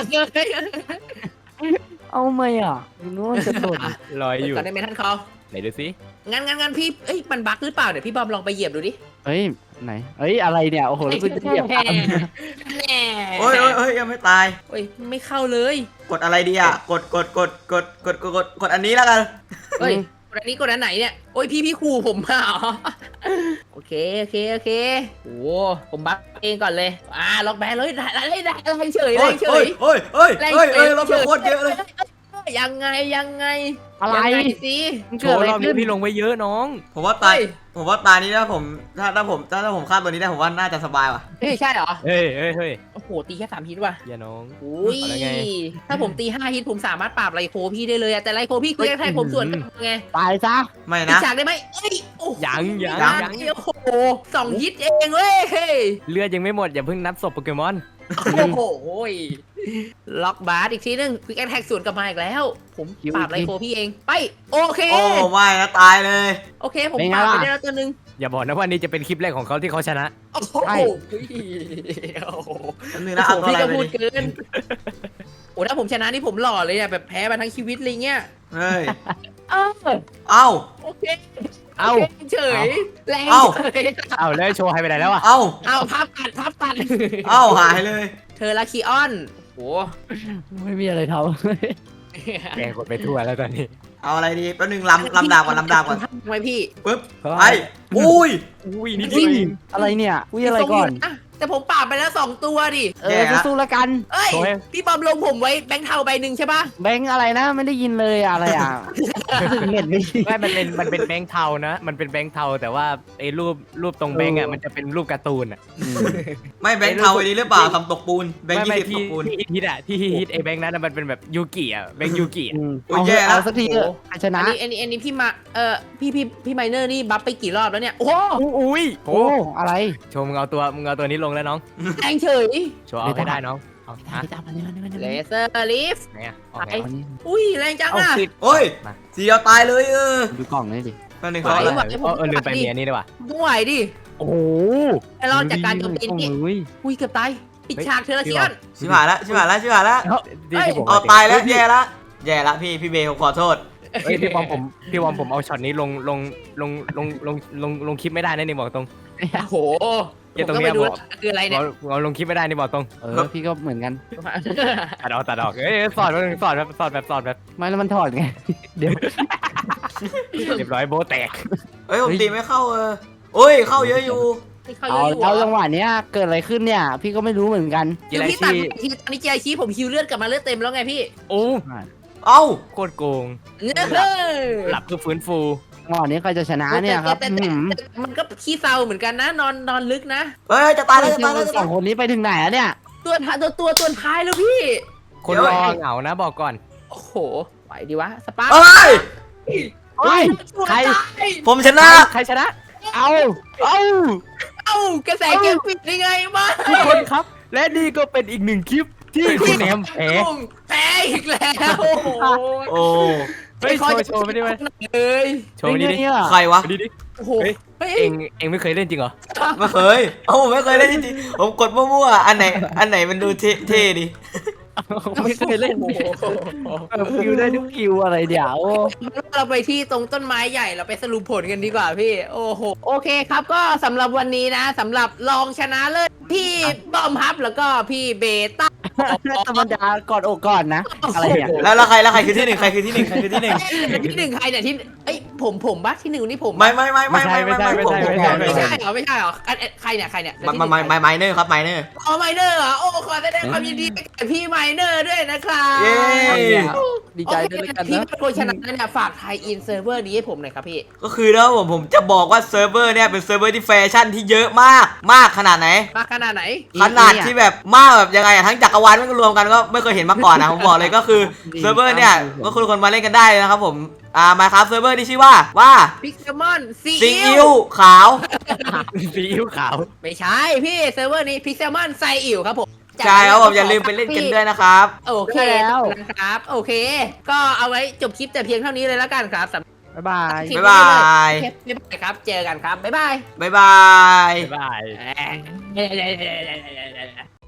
[SPEAKER 3] เอาไหมอ่ะนู้นจะโดน
[SPEAKER 2] ลอยอยู่
[SPEAKER 4] ก่อนได้ไหมท่านเขา
[SPEAKER 2] ไหนดูสิ
[SPEAKER 4] งั้นงั้นงั้นพี่เอ้ยมันบั๊กหรือเปล่าเดี๋ยวพี่บอมลองไปเหยียบดูดิ
[SPEAKER 3] เฮ้ยไหนเฮ้ยอะไรเนี่ยโอ้โหแล้วกูจะเหยียบตาม
[SPEAKER 4] แน่
[SPEAKER 1] โอ้ยโอ้ยโอ้ยยังไม่ตาย
[SPEAKER 4] โอ้ยไม่เข้าเลย
[SPEAKER 1] กดอะไรดีอ่ะ กดกดกดกดกดกดกดกดอันนี้แล้วกัน
[SPEAKER 4] เฮ้ยกดอันนี้กดอันไหนเนี่ยโอ้ยพี่พี่ขู่ผมมาเหรอโอเคโอเคโอเคโอ้ผมบัฟเองก่อนเลยอ่าล็อกแบนเลยได้ได้ได้ได้เฉยเลยเฉ
[SPEAKER 1] เฮ้
[SPEAKER 4] ย
[SPEAKER 1] ยเฮ้ยเฮ้ยเฮ้ยเฮ้ยเราเป็นโคตรเยอะเลย
[SPEAKER 4] ยังไงยังไง
[SPEAKER 3] อะไร
[SPEAKER 4] ยังไงสิ
[SPEAKER 3] มัน
[SPEAKER 2] โช
[SPEAKER 3] เกิด
[SPEAKER 2] ว์
[SPEAKER 3] อะไร
[SPEAKER 2] รอบนี้
[SPEAKER 3] ขึ้น
[SPEAKER 2] พี่ลงไว้เยอะน้อง
[SPEAKER 1] ผมว่าตายผมว่าตายนี้ถ้าผมถ้าถ้าผมถ้าถ้าผมฆ่าตัวนี้ได้ผมว่าน่าจะสบายว่ะ
[SPEAKER 4] เฮ้ยใช่เหรอ
[SPEAKER 2] เฮ้ยเฮ้ยเฮ้ย
[SPEAKER 4] โอ้โหตีแค่สามฮิตว่ะ
[SPEAKER 2] อย่าน้อง
[SPEAKER 4] อุ้ย
[SPEAKER 2] เอาแล้วไง
[SPEAKER 4] ถ้าผมตีห้าฮิตผมสามารถปราบไรโคพี่ได้เลยอะแต่ไรโคพี่คือแค่ผมส่วนกันไง
[SPEAKER 3] ตายซะ
[SPEAKER 1] ไม่
[SPEAKER 4] อี
[SPEAKER 1] นะ
[SPEAKER 4] กฉากได้ไหมเอ้ยโอ้โห
[SPEAKER 2] ยังยัง
[SPEAKER 1] ยัง
[SPEAKER 2] ยัง
[SPEAKER 4] โอ้โหสองฮิตเองเว้ย
[SPEAKER 2] เลือดยังไม่หมดอย่าเพิ่งนับศพโปเกมอน
[SPEAKER 4] โอ้โหล็อกบาร์อีกทีนึงควิกแอทแท็กสวนกลับมาอีกแล้ว ผมปราบไรโคพี่เองไปโอเค
[SPEAKER 1] โอ้ไม่นะตายเลย
[SPEAKER 4] โอเคผมปราบไปได้แล้วตัวนึง
[SPEAKER 2] อย่าบอกนะว่านี่จะเป็นคลิปแรกของเขาที่เขาชนะ
[SPEAKER 4] โอ้โห
[SPEAKER 3] ใช่
[SPEAKER 4] โอ้โห
[SPEAKER 1] อันนึงนะเอาตัว
[SPEAKER 4] พี่
[SPEAKER 1] อะไร
[SPEAKER 4] ก็
[SPEAKER 1] ไป
[SPEAKER 4] พูด
[SPEAKER 1] ดิ
[SPEAKER 4] เกินโอ้ถ้าผมชนะนี่ผมหล่อเลยอะแบบแพ้มาทั้งชีวิตเลยเงี้ย
[SPEAKER 1] เฮ้ย
[SPEAKER 4] เอ้า
[SPEAKER 1] เอ้า
[SPEAKER 4] โอเค
[SPEAKER 2] เอ้า
[SPEAKER 4] โคเฉยแรง
[SPEAKER 1] เอ้า
[SPEAKER 4] เฉย
[SPEAKER 2] เอาแล้วโชว์ให้ไปไหนแล้วอ่ะ
[SPEAKER 1] เอ้า
[SPEAKER 4] เอาพับตัดพับตัด
[SPEAKER 1] เอ้าหายเลย
[SPEAKER 4] เธอละคีออนโอ้
[SPEAKER 3] ไม่มีอะไรท
[SPEAKER 2] แกกดไปทั่วแล้วตอนนี้
[SPEAKER 1] เอาอะไรดีแป๊บนึงลำลำดาบก่อนลำดาบก่อน
[SPEAKER 4] ทำไมพี่
[SPEAKER 1] ปึ๊บ
[SPEAKER 3] ำ
[SPEAKER 1] ไปอุ้ย
[SPEAKER 2] อุ้ยนี่
[SPEAKER 3] อุ้
[SPEAKER 2] ดี
[SPEAKER 3] ยอะไรเนี่ยอุ้ยอะไร
[SPEAKER 4] ทรง
[SPEAKER 3] ก่อน
[SPEAKER 4] ยู่ะแต่ผมปราบไปแล้วสองตัวดิ
[SPEAKER 3] เออสู้ๆแล้วกัน
[SPEAKER 4] เอ้ย
[SPEAKER 2] โชว์ให้
[SPEAKER 4] พี่บอมลงผมไว้แบงค์เทาใบหนึ่งใช่ปะ
[SPEAKER 3] แบงค์อะไรนะไม่ได้ยินเลยอะอะไรอ่ะเน็ตไม่ดี
[SPEAKER 2] ไม่มันเป็นมันเป็นแบงค์เทานะ มันเป็นแบงค์เทาแต่ว่าไอ้รูปรูปตรงแบงค์อ่ะมันจะเป็นรูปการ์ตูนอ่ะ
[SPEAKER 1] ไม่แบงค์เทาไอ้นี้หรือเปล่าทำตกปูนแบงค์
[SPEAKER 2] ไม่
[SPEAKER 1] ยี่
[SPEAKER 2] ไม่
[SPEAKER 1] สิบต
[SPEAKER 2] ที่
[SPEAKER 1] กปูน
[SPEAKER 2] ที่ฮิตอ่ะที่ฮิตไอ้แบงค์นั้นอะมันเป็นแบบยูกิอ่ะแบงค์ยูกิอะ
[SPEAKER 3] อืม
[SPEAKER 1] โอ้ย
[SPEAKER 3] เอา
[SPEAKER 1] แย่
[SPEAKER 3] เถอะ
[SPEAKER 1] แล้ว
[SPEAKER 3] เอาสักทีเถอะใครช
[SPEAKER 4] อั
[SPEAKER 3] นะ
[SPEAKER 4] นนี้อันนี้อันนี้พี่มาเออพี่พี่พี่ไมเนอร์นี่บัฟไปกี่รอบแล้วเนี่ยโอ้โห
[SPEAKER 2] อุ้ย
[SPEAKER 3] โอ้อะไร
[SPEAKER 2] โชว์มึงเอาตัวมึงเอาตัวนี้ลงแล้วน้อง
[SPEAKER 4] แรงเฉย
[SPEAKER 2] โชว์เอาให้ได้น้องเอาฮะ
[SPEAKER 3] ไปตามมันนี่มันนี่มัน
[SPEAKER 4] เล
[SPEAKER 3] นี่
[SPEAKER 4] เซอร์ลิฟ
[SPEAKER 2] ไหนอ่ะเอา
[SPEAKER 4] ไป
[SPEAKER 2] ไง
[SPEAKER 3] เอานี่
[SPEAKER 4] อุ้ยแรงจัง
[SPEAKER 2] เอา
[SPEAKER 4] อ่ะ
[SPEAKER 2] สิ
[SPEAKER 1] โอ้ย
[SPEAKER 2] มา
[SPEAKER 1] สีเอาตายเลยเออ
[SPEAKER 3] ดูกล่องนี่ดิ
[SPEAKER 1] แป๊บนึง
[SPEAKER 4] ไหว
[SPEAKER 1] เขาอะไร
[SPEAKER 4] ไหว
[SPEAKER 2] เออเออลืมไปเมียนี่ดีกว่า
[SPEAKER 4] ไม่ไหวดิ
[SPEAKER 2] โอ้โห
[SPEAKER 4] ไอ้รอดจากการโจมตีนี่
[SPEAKER 3] โอ้ย
[SPEAKER 4] อุ้ยเกือบตายปิด
[SPEAKER 2] เฮ้ย
[SPEAKER 4] ฉากเธอละคีออน
[SPEAKER 1] ชิบหายละชิบหายละชิบหายละ
[SPEAKER 2] เอ้าที่ที่ผม
[SPEAKER 1] เอาตายแล้วแย่ละแย่ละพี่พี่เบย์ผมขอโทษ
[SPEAKER 2] เฮ้ยพี่บอมผมพี่บอมผมเอาช็อตนี้ลงลงลงลงลงลงลงคลิปไม่ได้นะนี่บอกตรง
[SPEAKER 4] โอ้โห
[SPEAKER 2] เหี้ย
[SPEAKER 4] ผม
[SPEAKER 2] ตรง
[SPEAKER 4] ก็
[SPEAKER 2] เนี้
[SPEAKER 4] ไป
[SPEAKER 2] ย
[SPEAKER 4] ดู
[SPEAKER 2] บอก
[SPEAKER 4] แล้วคืออะไรเนี่ย
[SPEAKER 2] เอาเอาลงคลิปไม่ได้นี่บอกตรง
[SPEAKER 3] เออพี่ก็เหมือนกัน
[SPEAKER 2] ตัดออกตัดออกเอ้ยสอนแบบสอนแบบสอนแบบสอนแบบ
[SPEAKER 3] ไม่แล้วมันถอดไงเดี๋ยว
[SPEAKER 2] เรียบร้อยโบะแตก
[SPEAKER 1] เอ้ยผมตีไม่เข้าเออโอ้ยเข้าเยอะอยู่
[SPEAKER 4] ไม่เข้า
[SPEAKER 3] เอา
[SPEAKER 4] เยอะอยู่
[SPEAKER 3] เอา
[SPEAKER 4] เหร
[SPEAKER 3] จั
[SPEAKER 4] อง
[SPEAKER 3] หวะเนี้ยเกิดอะไรขึ้นเนี่ย พี่ก็ไม่รู้เหมือนกัน
[SPEAKER 2] กี
[SPEAKER 4] คือ
[SPEAKER 2] ฬา
[SPEAKER 4] พี่ตัด
[SPEAKER 2] ชี
[SPEAKER 4] ทีตอนนี้เจไอชีผมฮิวเลือดกลับมาเลือดเต็มแล้วไงพี่
[SPEAKER 2] โอ้
[SPEAKER 1] เอ้า
[SPEAKER 2] โคตรโกง
[SPEAKER 4] เออ
[SPEAKER 2] หลับเพื่อฟื้นฟู
[SPEAKER 3] จังหวะนี้ใครจะชนะเนี่ยครับ
[SPEAKER 4] แต่แต่
[SPEAKER 3] หืม
[SPEAKER 4] แต่มันก็ขี้เศร้าเหมือนกันนะ นอนนอนลึกนะ
[SPEAKER 1] เอ้ยจะตายแล้วจะตายแล้วจะ
[SPEAKER 3] ส
[SPEAKER 1] ตา
[SPEAKER 3] อย งคนนี้ไปถึงไหนแล้วเนี่ย
[SPEAKER 4] ตัวท้ายตัวตัวตัวท้ายแล้วพี่
[SPEAKER 2] คนรอเหงานะบอกก่อน
[SPEAKER 4] โอ้โหไหวดีวะสปาร์
[SPEAKER 1] เอ้ย
[SPEAKER 3] เฮ้ย
[SPEAKER 4] ใคร
[SPEAKER 1] ผมชนะ
[SPEAKER 2] ใครชนะ
[SPEAKER 3] เอาเอา
[SPEAKER 4] เอ้ากระแสเกมปิดได้ไงมา
[SPEAKER 2] ทุกคนครับ และนี่ก็เป็นอีกหนึ่งคลิปที่คุณแหนมแพ้
[SPEAKER 4] แพ้อีกแล้วโอ้โห
[SPEAKER 1] โอ้
[SPEAKER 2] เฮ้ยโชว์โชว์ไม่ได้ไหม
[SPEAKER 4] เอ้ย
[SPEAKER 2] โชว์ไม่ได้ดิ
[SPEAKER 3] เนี่ย
[SPEAKER 1] ใครวะ
[SPEAKER 2] ไม่ได้ดิ
[SPEAKER 4] โอ้โห
[SPEAKER 2] เฮ้ย
[SPEAKER 4] เฮ้ย
[SPEAKER 2] เองเองไม่เคยเล่นจริงเหรอ
[SPEAKER 1] ไม่เคยเอ้าผมไม่เคยเล่นจริงๆผมกดมั่วๆอันไหนอันไหนมันดูเท่เท่ดิ
[SPEAKER 3] ไม่เคยเล่น
[SPEAKER 4] โอ้โห
[SPEAKER 3] เออคิวได้ทุกคิวอะไรเดี๋ยว
[SPEAKER 4] เราไปที่ตรงต้นไม้ใหญ่เราไปสรุปผลกันดีกว่าพี่ โอ้โหโอเคครับก็สำหรับวันนี้นะสำหรับรองชนะเลิศพี่บอมฮับแล้วก็พี่เบต้า
[SPEAKER 3] ธรรมดากอดอกก่อนนะ อะไรเนี่ย
[SPEAKER 1] แล้วแล้วใครแล้วใครคือที่หนึ่งใครคือที่หนึ่งใครคือที่หนึ่ง
[SPEAKER 4] ที่หนึ่งใครเนี่ยที่เอ้ยผมผมบัสที่หนึ่งนี่ผม
[SPEAKER 1] ไม่ไม่ไม่ไม่ไม่ไม่ไม่ผมผม
[SPEAKER 4] ไม่ใช่เหรอไม่ใช่เหรออันอันใครเนี่ยใครเนี่ย
[SPEAKER 1] มามามาไมเนอร์ครับไมเนอร์
[SPEAKER 4] อ๋อไมเนอร์เหรอโอ้ขอแสดงความยินดีกับพี่ไมเนอร์ด้วยนะครับ
[SPEAKER 1] เย้
[SPEAKER 3] ดีใจด้วยแล้วกัน
[SPEAKER 4] พี่
[SPEAKER 3] นะ
[SPEAKER 4] เป็นคนชนะเนี่ยฝากไทยอินเซิร์ฟเวอร์นี้ให้ผมหน่อยครับพี่
[SPEAKER 1] ก็คือนะผมผมจะบอกว่าเซิร์ฟเวอร์เนี่ยเป็นเซิร์ฟเวอร์ที่แฟชั่นที่เยอะมากมากขนาดไหน
[SPEAKER 4] มาขนาดไหน
[SPEAKER 1] ขนาดที่แบบมากแบบยังไงอะทั้งจักรวาลมันรวมกันก็ไม่เคยเห็นมาก่อนนะผมบอกเลยก็คือเซิร์ฟเวอร์เนี่ยก็คุณคนมาเล่นกันได้เลยนะครับผมอ่ามาครับเซิร์ฟเวอร์ที่ชื่อว่าว่า
[SPEAKER 4] พิกเซมอนซี
[SPEAKER 1] ซี
[SPEAKER 4] อิ
[SPEAKER 1] อิ๊
[SPEAKER 4] ว
[SPEAKER 1] วขาว
[SPEAKER 2] ซีอิ๊วขาว
[SPEAKER 4] ไม่ใช่พี่เซิร์ฟเวอร์นี้พิกเซมอนไซอิวครับผม
[SPEAKER 1] ใช่ครับผมอย่าลืมไปเล่นกันด้วยนะครับ
[SPEAKER 4] โอเคนะครับโอเค ก็เอาไว้จบคลิปแต่เพียงเท่านี้เลยแล้วกันครับสำหรับ
[SPEAKER 3] บ๊ายบาย
[SPEAKER 1] บ๊ายบาย
[SPEAKER 4] คลิปนี้เลยบ๊ายบายครับเจอกันครับบ๊ายบาย
[SPEAKER 1] บ๊ายบาย
[SPEAKER 2] บ๊ายบาย